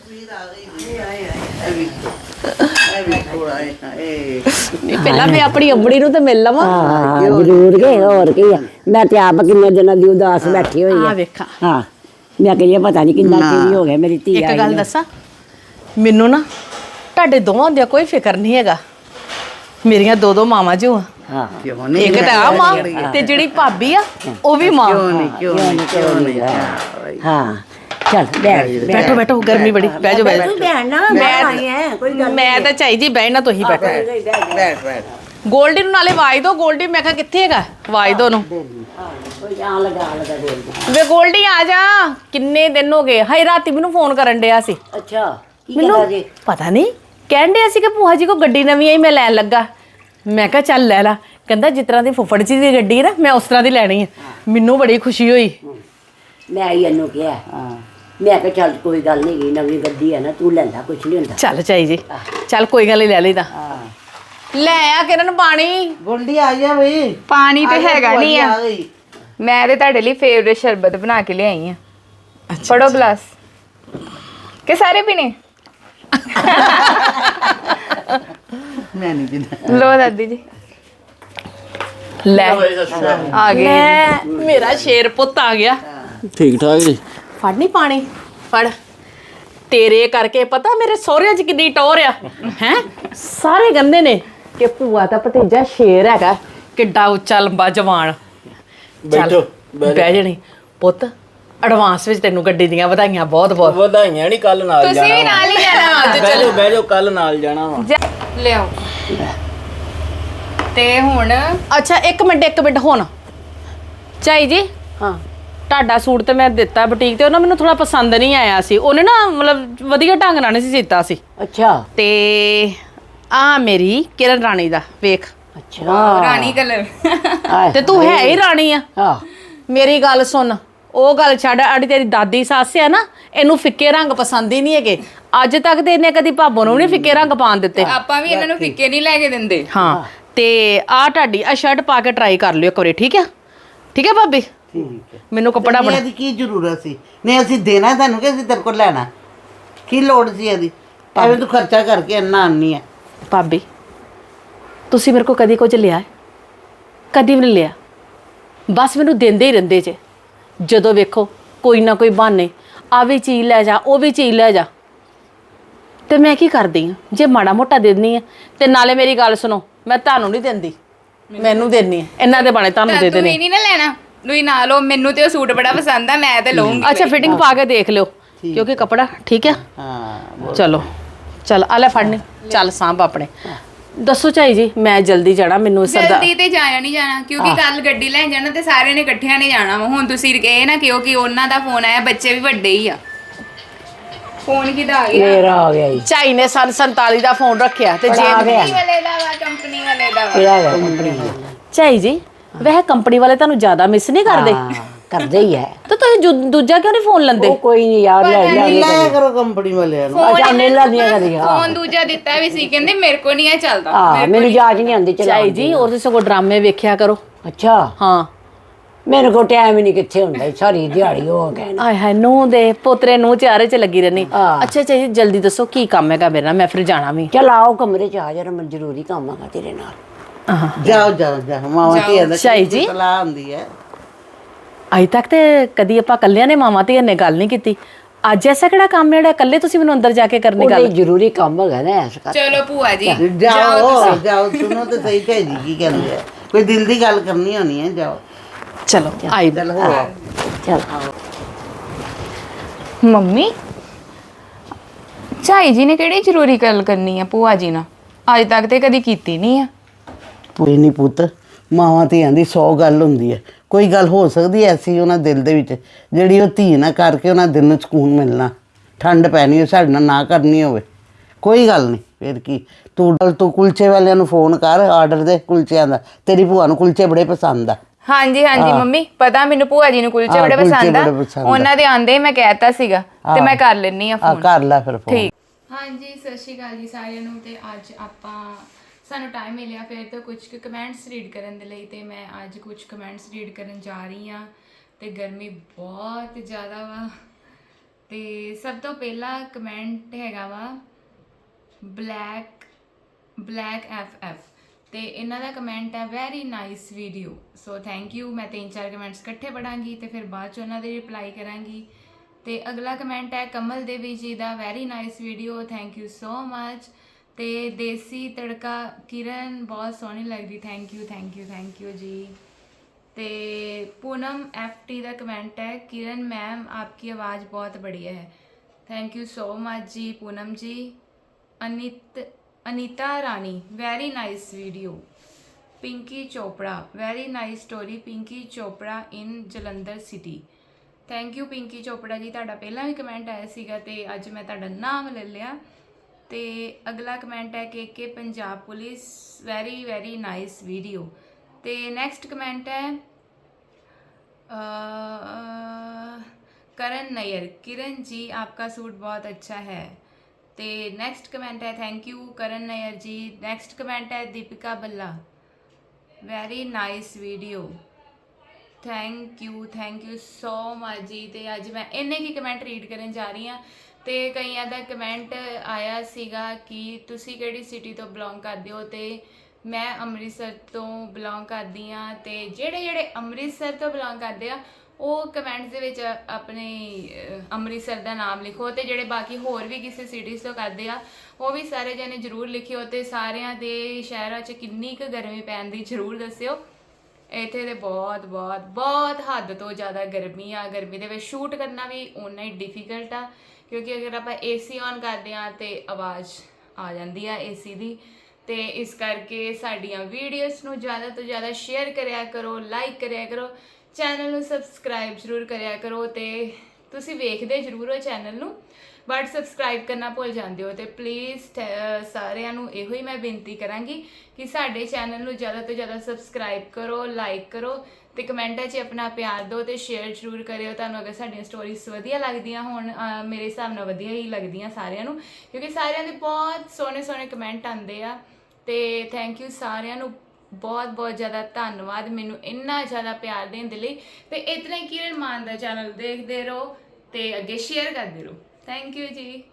Speaker 5: ਨਹੀਂ, ਪਹਿਲਾਂ ਮੈਂ ਆਪਣੀ ਅੰਬੜੀ ਨੂੰ ਤੇ ਮਿਲ ਲਵਾਂ।
Speaker 2: ਹਾਂ ਜ਼ਰੂਰ ਕੇ, ਹੋਰ ਕੀ ਆ, ਮੈਂ ਤੇ ਆਪ ਕਿੰਨੇ ਦਿਨਾਂ ਦੀ ਉਦਾਸ ਬੈਠੀ ਹੋਈ
Speaker 5: ਆ
Speaker 2: ਆ।
Speaker 5: ਵੇਖਾਂ,
Speaker 2: ਹਾਂ, ਮੈਂ ਕਹਿੰਦੀ ਪਤਾ ਨਹੀਂ ਕਿੰਨਾ ਚਿਰ ਹੋ ਗਿਆ ਮੇਰੀ ਧੀ
Speaker 5: ਇੱਕ
Speaker 2: ਆਈ
Speaker 5: ਗੱਲ
Speaker 2: ਨੂੰ।
Speaker 5: ਦੱਸਾਂ, ਮੈਨੂੰ ਨਾ ਤੁਹਾਡੇ ਦੋਵਾਂ ਦਾ ਕੋਈ ਫਿਕਰ ਨਹੀਂ ਹੈਗਾ, ਮੇਰੀਆਂ ਦੋ ਦੋ ਮਾਵਾਂ ਜੋ ਆ,
Speaker 2: ਹਾਂ
Speaker 5: ਇੱਕ ਤਾਂ ਆ ਮਾਂ ਤੇ ਜਿਹੜੀ ਭਾਬੀ ਆ ਉਹ ਵੀ ਮਾਂ।
Speaker 4: ਕਿਉਂ ਨਹੀਂ ਕਿਉਂ ਨਹੀਂ
Speaker 2: ਹਾਂ ਚੱਲ ਬੈਠ
Speaker 5: ਬੈਠੋ ਬੈਠੋ, ਗਰਮੀ ਬੜੀ, ਬਹਿ ਜਾਓ ਬਹਿ ਜਾਓ।
Speaker 2: ਬੈਠ ਨਾ, ਮੈਂ ਆਈ ਐ, ਕੋਈ ਗੱਲ
Speaker 5: ਮੈਂ ਤਾਂ ਚਾਹੀ ਜੀ ਬਹਿਣਾ, ਤੁਸੀਂ ਬੈਠੋ।
Speaker 4: ਬੈਠ ਬੈਠ
Speaker 5: ਗੋਲਡੀ ਨੂੰ ਨਾਲੇ ਆਵਾਜ਼ ਦਿਓ, ਗੋਲਡੀ ਮੈਂ ਕਿਹਾ ਕਿੱਥੇ ਹੈਗਾ, ਆਵਾਜ਼ ਦਿਓ ਉਹਨੂੰ।
Speaker 2: ਕੋਈ ਆ ਲਗਾ ਲਗਾ ਬੋਲ।
Speaker 5: ਵੇ ਗੋਲਡੀ ਆ ਜਾ, ਕਿੰਨੇ ਦਿਨ ਹੋ ਗਏ, ਹਾਈ ਰਾਤੀ ਮੈਨੂੰ ਫੋਨ ਕਰਨ ਡਿਆ ਸੀ।
Speaker 2: ਅੱਛਾ ਕੀ
Speaker 5: ਮੈਨੂੰ
Speaker 2: ਕਹਿੰਦਾ ਜੀ?
Speaker 5: ਪਤਾ ਨਹੀਂ, ਕਹਿਣ ਡਿਆ ਸੀ ਕਿ ਭੂਆ ਜੀ ਕੋ ਗੱਡੀ ਨਵੀਂ ਆਈ, ਮੈਂ ਲੈਣ ਲੱਗਾ। ਮੈਂ ਕਿਹਾ ਚੱਲ ਲੈ ਲਾ, ਕਹਿੰਦਾ ਜਿਸ ਤਰ੍ਹਾਂ ਦੀ ਫੁੱਫੜ ਜੀ ਦੀ ਗੱਡੀ ਹੈ ਨਾ ਮੈਂ ਉਸ ਤਰ੍ਹਾਂ ਦੀ ਲੈਣੀ ਹੈ। ਮੈਨੂੰ ਬੜੀ ਖੁਸ਼ੀ ਹੋਈ।
Speaker 2: ਮੈਂ ਹੀ ਇਹਨੂੰ ਕਿਹਾ, ਮੈਂ ਕਿਹਾ ਚੱਲ ਕੋਈ ਗੱਲ ਨਹੀਂ, ਗਈ ਨਵੀਂ ਗੱਡੀ ਹੈ ਨਾ, ਤੂੰ ਲੈ ਲੈ, ਕੁਛ ਨਹੀਂ ਹੁੰਦਾ।
Speaker 5: ਚੱਲ ਚਾਈ ਜੀ, ਚੱਲ ਕੋਈ ਗੱਲ ਨਹੀਂ, ਲੈ ਲਈਦਾ। ਲੈ ਆ ਕਿਰਨ ਪਾਣੀ।
Speaker 4: ਗੋਲਡੀ ਆ ਜਾ ਬਈ,
Speaker 3: ਪਾਣੀ ਤੇ ਹੈਗਾ ਨਹੀਂ ਆ,
Speaker 4: ਗਈ।
Speaker 3: ਮੈਂ ਤੇ ਤੁਹਾਡੇ ਲਈ ਫੇਵਰੇਟ ਸ਼ਰਬਤ ਬਣਾ ਕੇ ਲਿਆਈ ਆ। ਫੜੋ ਗਲਾਸ, ਕਿ ਸਾਰੇ ਪੀਣੇ?
Speaker 4: ਮੈਂ ਨਹੀਂ ਪੀਂਦਾ।
Speaker 3: ਲੋ ਦਾਦੀ ਜੀ,
Speaker 5: ਲੈ
Speaker 3: ਆ ਗਏ।
Speaker 5: ਲੈ ਮੇਰਾ ਸ਼ੇਰ ਪੁੱਤ ਆ ਗਿਆ।
Speaker 1: ਠੀਕ ਠਾਕ ਜੀ।
Speaker 5: ਫੜ ਨਹੀਂ ਪਾਣੀ, ਫੜ। ਤੇਰੇ ਕਰਕੇ ਪਤਾ ਮੇਰੇ ਸਹੁਰਿਆਂ 'ਚ ਕਿੰਨੀ ਟੌਰ ਆ ਹੈ, ਸਾਰੇ ਕਹਿੰਦੇ ਨੇ ਕਿ ਭੂਆ ਦਾ ਭਤੀਜਾ ਸ਼ੇਰ ਹੈਗਾ, ਕਿੱਡਾ ਉੱਚਾ ਲੰਬਾ ਜਵਾਨ।
Speaker 1: ਬੈਠੋ
Speaker 5: ਬਹਿ ਜਣੀ ਪੁੱਤ, ਐਡਵਾਂਸ ਵਿੱਚ ਤੈਨੂੰ ਗੱਡੀ ਦੀਆਂ ਵਧਾਈਆਂ ਬਹੁਤ ਬਹੁਤ।
Speaker 1: ਵਧਾਈਆਂ ਨਹੀਂ, ਕੱਲ ਨਾਲ ਜਾਣਾ।
Speaker 3: ਤੁਸੀਂ ਵੀ ਨਾਲ ਹੀ ਜਾਣਾ ਅੱਜ?
Speaker 1: ਬਹਿ ਜਾਓ ਬਹਿ ਜਾਓ, ਕੱਲ ਨਾਲ ਜਾਣਾ ਵਾ।
Speaker 3: ਲਿਆਓ। ਤੇ ਹੁਣ
Speaker 5: ਅੱਛਾ ਇੱਕ ਮਿੰਟ ਇੱਕ ਮਿੰਟ, ਹੁਣ ਚਾਈ ਜੀ
Speaker 2: ਹਾਂ
Speaker 5: ਤੁਹਾਡਾ ਸੂਟ ਤੇ ਮੈਂ ਦਿੱਤਾ ਬੁਟੀਕ ਤੇ, ਉਹਨਾਂ ਮੈਨੂੰ ਥੋੜਾ ਪਸੰਦ ਨਹੀਂ ਆਇਆ ਸੀ, ਉਹਨੇ ਨਾ ਮਤਲਬ ਵਧੀਆ ਢੰਗ ਨਾਲ ਨਹੀਂ ਸੀ ਦਿੱਤਾ ਸੀ।
Speaker 2: ਅੱਛਾ
Speaker 5: ਤੇ ਆ ਮੇਰੀ ਕਿਰਨ ਰਾਣੀ ਦਾ ਵੇਖ,
Speaker 2: ਅੱਛਾ
Speaker 3: ਰਾਣੀ ਕਲਰ।
Speaker 5: ਤੇ ਤੂੰ ਹੈ ਹੀ ਰਾਣੀ ਆ।
Speaker 2: ਹਾਂ
Speaker 5: ਮੇਰੀ ਗੱਲ ਸੁਣ, ਉਹ ਗੱਲ ਛੱਡ, ਅੜੀ ਤੇਰੀ ਦਾਦੀ ਸੱਸ ਆ ਨਾ, ਇਹਨੂੰ ਫਿੱਕੇ ਰੰਗ ਪਸੰਦ ਹੀ ਨਹੀਂ ਹੈਗੇ। ਅੱਜ ਤੱਕ ਤੇ ਇਹਨੇ ਕਦੀ ਭਾਬੋ ਨੂੰ ਨਹੀਂ ਫਿੱਕੇ ਰੰਗ ਪਾਣ ਦਿੱਤੇ।
Speaker 3: ਆਪਾਂ ਵੀ ਇਹਨਾਂ ਨੂੰ ਫਿੱਕੇ ਨਹੀਂ ਲੈ ਕੇ ਦਿੰਦੇ।
Speaker 5: ਹਾਂ, ਤੇ ਆ ਤੁਹਾਡੀ ਆ ਸ਼ਰਟ ਪਾ ਕੇ ਟਰਾਈ ਕਰ ਲਿਓ ਇੱਕ ਵਾਰੀ, ਠੀਕ ਆ? ਠੀਕ ਹੈ ਭਾਬੀ?
Speaker 4: ਠੀਕ ਹੈ।
Speaker 5: ਮੈਨੂੰ ਕੱਪੜਾ ਬਣਾ।
Speaker 4: ਇਹਦੀ ਕੀ ਜ਼ਰੂਰਤ ਸੀ? ਨਹੀਂ ਅਸੀਂ ਦੇਣਾ ਤੁਹਾਨੂੰ ਕਿ ਅਸੀਂ ਤੇਰੇ ਕੋਲ ਲੈਣਾ? ਕੀ ਲੋੜ ਸੀ ਇਹਦੀ? ਐਵੇਂ ਤੂੰ ਖਰਚਾ ਕਰਕੇ ਇੰਨਾ ਆਨੀ ਹੈ।
Speaker 5: ਭਾਬੀ ਤੁਸੀਂ ਮੇਰੇ ਕੋ ਕਦੀ ਕੁਝ ਲਿਆ ਹੈ? ਕਦੀ ਵੀ ਨਹੀਂ ਲਿਆ, ਬਸ ਮੈਨੂੰ ਦਿੰਦੇ ਹੀ ਰਹਿੰਦੇ ਜੇ। ਜਦੋਂ ਵੇਖੋ ਕੋਈ ਨਾ ਕੋਈ ਬਹਾਨੇ, ਆ ਵੀ ਚੀਜ਼ ਲੈ ਜਾ, ਉਹ ਵੀ ਚੀਜ਼ ਲੈ ਜਾ। ਤੇ ਮੈਂ ਕੀ ਕਰਦੀ ਆ, ਜੇ ਮਾੜਾ ਮੋਟਾ ਦੇ ਦਿੰਦੀ ਆ ਤੇ ਨਾਲੇ ਮੇਰੀ ਗੱਲ ਸੁਣੋ, ਮੈਂ ਤੁਹਾਨੂੰ ਨਹੀਂ ਦਿੰਦੀ, ਮੈਨੂੰ ਦੇਣੀ ਆ, ਇਹਨਾਂ ਦੇ ਬਾਣੇ ਤੁਹਾਨੂੰ ਦੇ
Speaker 3: ਤੂੰ
Speaker 5: ਦੇਣੇ।
Speaker 3: ਵੀ ਨਹੀਂ ਨਾ ਲੈਣਾ, ਤੁਸੀਂ ਨਾ ਲਓ, ਮੈਨੂੰ ਤੇ ਉਹ ਸੂਟ ਬੜਾ ਪਸੰਦ ਆ, ਮੈਂ ਤੇ ਲਵਾਂਗੀ।
Speaker 5: ਅੱਛਾ ਫਿਟਿੰਗ ਪਾ ਕੇ ਦੇਖ ਲਿਓ, ਕਿਉਂਕਿ ਕਪੜਾ ਠੀਕ ਆ।
Speaker 4: ਹਾਂ
Speaker 5: ਚਲੋ ਚੱਲ ਆ ਲੈ ਫੜਨੀ, ਚੱਲ ਸਾਂਭ ਆਪਣੇ। ਦੱਸੋ ਝਾਈ ਜੀ, ਮੈਂ ਜਲਦੀ ਜਾਣਾ, ਮੈਨੂੰ ਸਰਦਾ
Speaker 3: ਜਲਦੀ ਤੇ ਜਾਇਆ ਨਹੀਂ ਜਾਣਾ, ਕਿਉਂਕਿ ਕੱਲ ਗੱਡੀ ਲੈਣ ਜਾਣਾ ਤੇ ਸਾਰਿਆਂ ਨੇ ਇਕੱਠਿਆਂ ਨੇ ਜਾਣਾ ਵਾ। ਹੁਣ ਤੁਸੀਂ ਇਹ ਨਾ ਕਿਉਂਕਿ ਉਹਨਾਂ ਦਾ ਫੋਨ ਆਇਆ, ਬੱਚੇ ਵੀ ਵੱਡੇ ਹੀ ਆ। ਫੋਨ ਕਿਹਦਾ ਆ ਗਿਆ?
Speaker 2: ਮੇਰਾ ਆ ਗਿਆ ਜੀ।
Speaker 5: ਝਾਈ ਨੇ ਸਨ ਸੰਤਾਲੀ ਦਾ ਫੋਨ ਰੱਖਿਆ ਤੇ ਜੇ
Speaker 2: ਆ ਗਿਆ
Speaker 3: ਕੰਪਨੀ ਵਾਲੇ ਦਾ ਵਾ, ਕੰਪਨੀ ਵਾਲੇ ਦਾ ਵਾ।
Speaker 2: ਇਹ ਆ ਗਿਆ ਕੰਪਨੀ ਦਾ।
Speaker 5: ਝਾਈ ਜੀ ਵੈਸੇ ਕੰਪਨੀ ਵਾਲੇ ਤੁਹਾਨੂੰ ਜ਼ਿਆਦਾ ਮਿਸ ਨਹੀਂ ਕਰਦੇ?
Speaker 2: ਹਾਂ, ਕਰਦੇ ਹੀ ਹੈ।
Speaker 5: ਤਾਂ ਤੁਸੀਂ ਜੁ- ਦੂਜਾ ਕਿਉਂ ਨਹੀਂ ਫੋਨ ਲੈਂਦੇ?
Speaker 2: ਉਹ ਕੋਈ ਨਹੀਂ ਯਾਰ, ਲੈ ਲੈ ਲੈ
Speaker 4: ਲਾਇਆ ਕਰੋ ਕੰਪਨੀ ਵਾਲਿਆਂ ਨੂੰ।
Speaker 2: ਅੱਛਾ ਮੇਲਾ ਦੀਆਂ ਕਰੀ ਹਾਂ
Speaker 3: ਫੋਨ ਦੂਜਾ ਦਿੱਤਾ ਵੀ ਸੀ, ਕਹਿੰਦੇ ਮੇਰੇ ਕੋ ਨਹੀਂ ਇਹ ਚੱਲਦਾ।
Speaker 2: ਹਾਂ ਮੈਨੂੰ ਜਾਜ ਨਹੀਂ ਆਉਂਦੀ ਚਲਾ।
Speaker 5: ਝਾਈ ਜੀ ਉਹਦੇ ਸਗੋਂ ਡਰਾਮੇ ਵੇਖਿਆ ਕਰੋ।
Speaker 2: ਅੱਛਾ
Speaker 5: ਹਾਂ
Speaker 2: ਮੇਰੇ ਕੋਲ ਟਾਈਮ ਹੀ ਨਹੀਂ ਕਿੱਥੇ ਹੁੰਦਾ ਜੀ, ਸਾਰੀ ਦਿਹਾੜੀ ਹੋ ਗਏ ਨਾ।
Speaker 5: ਆਏ ਹਾਏ ਨੂੰ ਦੇ ਪੋਤਰੇ ਨੂੰ ਚਾਰੇ ਚ ਲੱਗੀ ਰਹਿਣੀ।
Speaker 2: ਹਾਂ।
Speaker 5: ਅੱਛਾ ਝਾਈ ਜੀ ਜਲਦੀ ਦੱਸੋ ਕੀ ਕੰਮ ਹੈਗਾ ਮੇਰੇ ਨਾਲ, ਮੈਂ ਫਿਰ ਜਾਣਾ ਵੀ।
Speaker 2: ਚਲ ਆਓ ਕਮਰੇ ਚ ਆ, ਜਰਾ ਮੈਨੂੰ ਜ਼ਰੂਰੀ ਕੰਮ ਹੈਗਾ ਤੇਰੇ ਨਾਲ।
Speaker 4: ਜਾਓ ਜਾਓ ਜਾਓ, ਮਾਵਾਂ ਧੀਆਂ ਦਾ
Speaker 5: ਝਾਈ ਜੀ।
Speaker 4: ਸਲਾਹ ਹੁੰਦੀ ਹੈ।
Speaker 5: ਅਜੇ ਤੱਕ ਤੇ ਕਦੀ ਆਪਾਂ ਕੱਲਿਆਂ ਨੇ ਮਾਵਾਂ ਧੀਆਂ ਨੇ ਗੱਲ ਨਹੀਂ ਕੀਤੀ, ਅੱਜ ਐਸਾ ਕਿਹੜਾ ਕੰਮ ਜਿਹੜਾ ਇਕੱਲੇ ਤੁਸੀਂ ਮੈਨੂੰ ਅੰਦਰ ਜਾ ਕੇ ਕਰਨੀ ਗੱਲ?
Speaker 2: ਉਹਦੇ ਜ਼ਰੂਰੀ ਕੰਮ ਹੈਗਾ ਨਾ ਇਸ ਕਰ।
Speaker 3: ਚਲੋ ਭੂਆ ਜੀ
Speaker 4: ਜਾਓ ਜਾਓ, ਸੁਣੋ ਤੇ ਸਹੀ ਝਾਈ ਜੀ ਕੀ ਕਹਿੰਦੇ ਆ, ਕੋਈ ਦਿਲ ਦੀ ਗੱਲ ਕਰਨੀ ਹੋਣੀ ਹੈ, ਜਾਓ
Speaker 5: ਚਲੋ ਆਈ
Speaker 4: ਚਲ ਹੋ ਆਓ।
Speaker 2: ਚਲ
Speaker 3: ਮੰਮੀ, ਝਾਈ ਜੀ ਨੇ ਕਿਹੜੀ ਜ਼ਰੂਰੀ ਗੱਲ ਕਰਨੀ ਆ ਭੂਆ ਜੀ ਨਾਲ? ਅੱਜ ਤੱਕ ਤੇ ਕਦੀ ਕੀਤੀ ਨਹੀਂ ਆ।
Speaker 4: ਕੋਈ ਨਹੀਂ ਪੁੱਤ, ਮਾਵਾਂ ਧੀਆਂ ਦੀ ਸੌ ਗੱਲ ਹੁੰਦੀ ਹੈ, ਕੋਈ ਗੱਲ ਹੋ ਸਕਦੀ ਐਸੀ ਉਹਨਾਂ ਦਿਲ ਦੇ ਵਿੱਚ ਜਿਹੜੀ ਉਹ ਧੀ ਨਾ ਕਰਕੇ ਉਹਨਾਂ ਦਿਲ ਨੂੰ ਸਕੂਨ ਮਿਲਣਾ, ਠੰਡ ਪੈਣੀ ਉਹ ਸਾਡੇ ਨਾਲ ਨਾ ਕਰਨੀ ਹੋਵੇ, ਕੋਈ ਗੱਲ ਨਹੀਂ। ਫਿਰ ਕੀ ਤੂੰ ਤੂੰ ਕੁਲਚੇ ਵਾਲਿਆਂ ਨੂੰ ਫੋਨ ਕਰ, ਆਰਡਰ ਦੇ ਕੁਲਚਿਆਂ ਦਾ, ਤੇਰੀ ਭੂਆ ਨੂੰ ਕੁਲਚੇ ਬੜੇ ਪਸੰਦ ਆ।
Speaker 3: ਹਾਂਜੀ ਹਾਂਜੀ ਮੰਮੀ, ਪਤਾ ਮੈਨੂੰ ਭੂਆ ਜੀ ਨੂੰ ਕੁਲਚੇ
Speaker 4: ਹਾਂ,
Speaker 3: ਬੜੇ
Speaker 4: ਕੁਲਚੇ
Speaker 3: ਪਸੰਦ ਆ।
Speaker 4: ਬੜੇ ਪਸੰਦ ਆ।
Speaker 3: ਉਹਨਾਂ ਦੇ ਆਂਦੇ ਮੈਂ ਕਹਿਤਾ ਸੀਗਾ ਤੇ ਮੈਂ ਕਰ ਲੈਣੀ ਆ
Speaker 4: ਆ
Speaker 3: ਫੋਨ।
Speaker 4: ਕਰ ਲੈ ਫਿਰ ਫੋਨ।
Speaker 3: ਠੀਕ। ਹਾਂਜੀ ਸਤਿ ਸ਼੍ਰੀ ਅਕਾਲ ਜੀ ਸਾਰਿਆਂ ਨੂੰ। ਤੇ ਅੱਜ ਆਪਾਂ ਸਾਨੂੰ ਟਾਈਮ ਮਿਲਿਆ ਫਿਰ ਤੋਂ ਕੁਝ ਕੁ ਕਮੈਂਟਸ ਰੀਡ ਕਰਨ ਦੇ ਲਈ, ਤੇ ਮੈਂ ਅੱਜ ਕੁਝ ਕਮੈਂਟਸ ਰੀਡ ਕਰਨ ਜਾ ਰਹੀ ਹਾਂ। ਤੇ ਗਰਮੀ ਬਹੁਤ ਜ਼ਿਆਦਾ ਵਾ। ਤੇ ਸਭ ਤੋਂ ਪਹਿਲਾ ਕਮੈਂਟ ਹੈਗਾ ਵਾ ਬਲੈਕ ਬਲੈਕ ਐਫ ਐਫ, ਤੇ ਇਹਨਾਂ ਦਾ ਕਮੈਂਟ ਹੈ very nice video. So thank you. ਮੈਂ ਤਿੰਨ ਚਾਰ ਕਮੈਂਟਸ ਇਕੱਠੇ ਪੜਾਂਗੀ ਤੇ ਫਿਰ ਬਾਅਦ 'ਚ ਉਹਨਾਂ ਦੇ ਰਿਪਲਾਈ ਕਰਾਂਗੀ। ਤੇ ਅਗਲਾ ਕਮੈਂਟ ਹੈ ਕਮਲ ਦੇਵੀ ਜੀ ਦਾ, very nice video, thank you so much. ਤੇ ਦੇਸੀ ਤੜਕਾ ਕਿਰਨ ਬਹੁਤ ਸੋਹਣੀ ਲੱਗਦੀ, thank you thank you thank you ਜੀ। ਤੇ पूनम एफ टी का कमेंट है किरण मैम आपकी आवाज़ बहुत बढ़िया है, थैंक यू सो मच जी पूनम जी। अनित Anita Rani very nice video. Pinky Chopra very nice story, Pinky Chopra in Jalandhar city, thank you Pinky Chopra ji. तुहाडा पहला भी कमेंट आया सीगा ते अज मैं तुहाडा नाम ले लिया। ते अगला कमेंट है K K Punjab police, very very nice video. ते नैक्सट कमेंट है करण नैयर, किरण जी आपका सूट बहुत अच्छा है। ते नेक्स्ट कमेंट है thank you Karan Nayyar ji. Next comment है Deepika Balla, very nice video, thank you thank you so much जी। ते अज मैं इन्ने की कमेंट रीड करन जा रही हाँ। तो कईयां दा कमेंट आया सीगा कि तुसी किहड़ी सिटी तो बिलोंग करदे हो, ते मैं अमृतसर तो बिलोंग करदी हाँ। ते जेड़े जेड़े अमृतसर तो बिलोंग करदे आ ਉਹ ਕਮੈਂਟਸ ਦੇ ਵਿੱਚ ਆਪਣੇ ਅੰਮ੍ਰਿਤਸਰ ਦਾ ਨਾਮ ਲਿਖੋ, ਤੇ ਜਿਹੜੇ ਬਾਕੀ ਹੋਰ ਵੀ ਕਿਸੇ ਸਿਟੀਜ਼ ਤੋਂ ਕਰਦੇ ਆ ਉਹ ਵੀ ਸਾਰੇ ਜਣੇ ਜ਼ਰੂਰ ਲਿਖਿਓ। ਤੇ ਸਾਰਿਆਂ ਦੇ ਸ਼ਹਿਰਾਂ 'ਚ ਕਿੰਨੀ ਕੁ ਗਰਮੀ ਪੈਣ ਦੀ ਜ਼ਰੂਰ ਦੱਸਿਓ। ਇੱਥੇ ਤੇ ਬਹੁਤ ਬਹੁਤ ਬਹੁਤ ਹੱਦ ਤੋਂ ਜ਼ਿਆਦਾ ਗਰਮੀ ਆ। ਗਰਮੀ ਦੇ ਵਿੱਚ ਸ਼ੂਟ ਕਰਨਾ ਵੀ ਓਨਾ ਹੀ ਡਿਫਿਕਲਟ ਆ, ਕਿਉਂਕਿ ਅਗਰ ਆਪਾਂ ਏ ਸੀ ਔਨ ਕਰਦੇ ਹਾਂ ਤੇ ਆਵਾਜ਼ ਆ ਜਾਂਦੀ ਆ ਏ ਸੀ ਦੀ। ਤੇ ਇਸ ਕਰਕੇ ਸਾਡੀਆਂ ਵੀਡੀਓਜ਼ ਨੂੰ ਜ਼ਿਆਦਾ ਤੋਂ ਜ਼ਿਆਦਾ ਸ਼ੇਅਰ ਕਰਿਆ ਕਰੋ, ਲਾਈਕ ਕਰਿਆ ਕਰੋ, ਚੈਨਲ ਨੂੰ ਸਬਸਕ੍ਰਾਈਬ ਜ਼ਰੂਰ ਕਰਿਆ ਕਰੋ। ਤੇ ਤੁਸੀਂ ਵੇਖਦੇ ਜ਼ਰੂਰ ਹੋ ਚੈਨਲ ਨੂੰ, ਬਟ ਸਬਸਕ੍ਰਾਈਬ ਕਰਨਾ ਭੁੱਲ ਜਾਂਦੇ ਹੋ। ਤੇ ਪਲੀਜ਼ ਸਾਰਿਆਂ ਨੂੰ ਇਹੋ ਹੀ ਮੈਂ ਬੇਨਤੀ ਕਰਾਂਗੀ ਕਿ ਸਾਡੇ ਚੈਨਲ ਨੂੰ ਜ਼ਿਆਦਾ ਤੋਂ ਜ਼ਿਆਦਾ ਸਬਸਕ੍ਰਾਈਬ ਕਰੋ, ਲਾਈਕ ਕਰੋ, ਤੇ ਕਮੈਂਟਾਂ 'ਚ ਆਪਣਾ ਪਿਆਰ ਦਿਓ ਤੇ ਸ਼ੇਅਰ ਜ਼ਰੂਰ ਕਰਿਓ। ਤੁਹਾਨੂੰ ਅਗਰ ਸਾਡੀਆਂ ਸਟੋਰੀਜ਼ ਵਧੀਆ ਲੱਗਦੀਆਂ ਹੋਣ, ਮੇਰੇ ਹਿਸਾਬ ਨਾਲ ਵਧੀਆ ਹੀ ਲੱਗਦੀਆਂ ਸਾਰਿਆਂ ਨੂੰ, ਕਿਉਂਕਿ ਸਾਰਿਆਂ ਦੇ ਬਹੁਤ ਸੋਹਣੇ ਸੋਹਣੇ ਕਮੈਂਟ ਆਉਂਦੇ ਆ। ਤੇ ਥੈਂਕ ਯੂ ਸਾਰਿਆਂ ਨੂੰ, ਬਹੁਤ ਬਹੁਤ ਜ਼ਿਆਦਾ ਧੰਨਵਾਦ ਮੈਨੂੰ ਇੰਨਾ ਜ਼ਿਆਦਾ ਪਿਆਰ ਦੇਣ ਦੇ ਲਈ। ਤੇ ਇਤਨਾ ਹੀ ਕਿਰਨ ਮਾਨ ਦਾ ਚੈਨਲ ਦੇਖਦੇ ਰਹੋ ਤੇ ਅੱਗੇ ਸ਼ੇਅਰ ਕਰਦੇ ਰਹੋ। ਥੈਂਕ ਯੂ ਜੀ।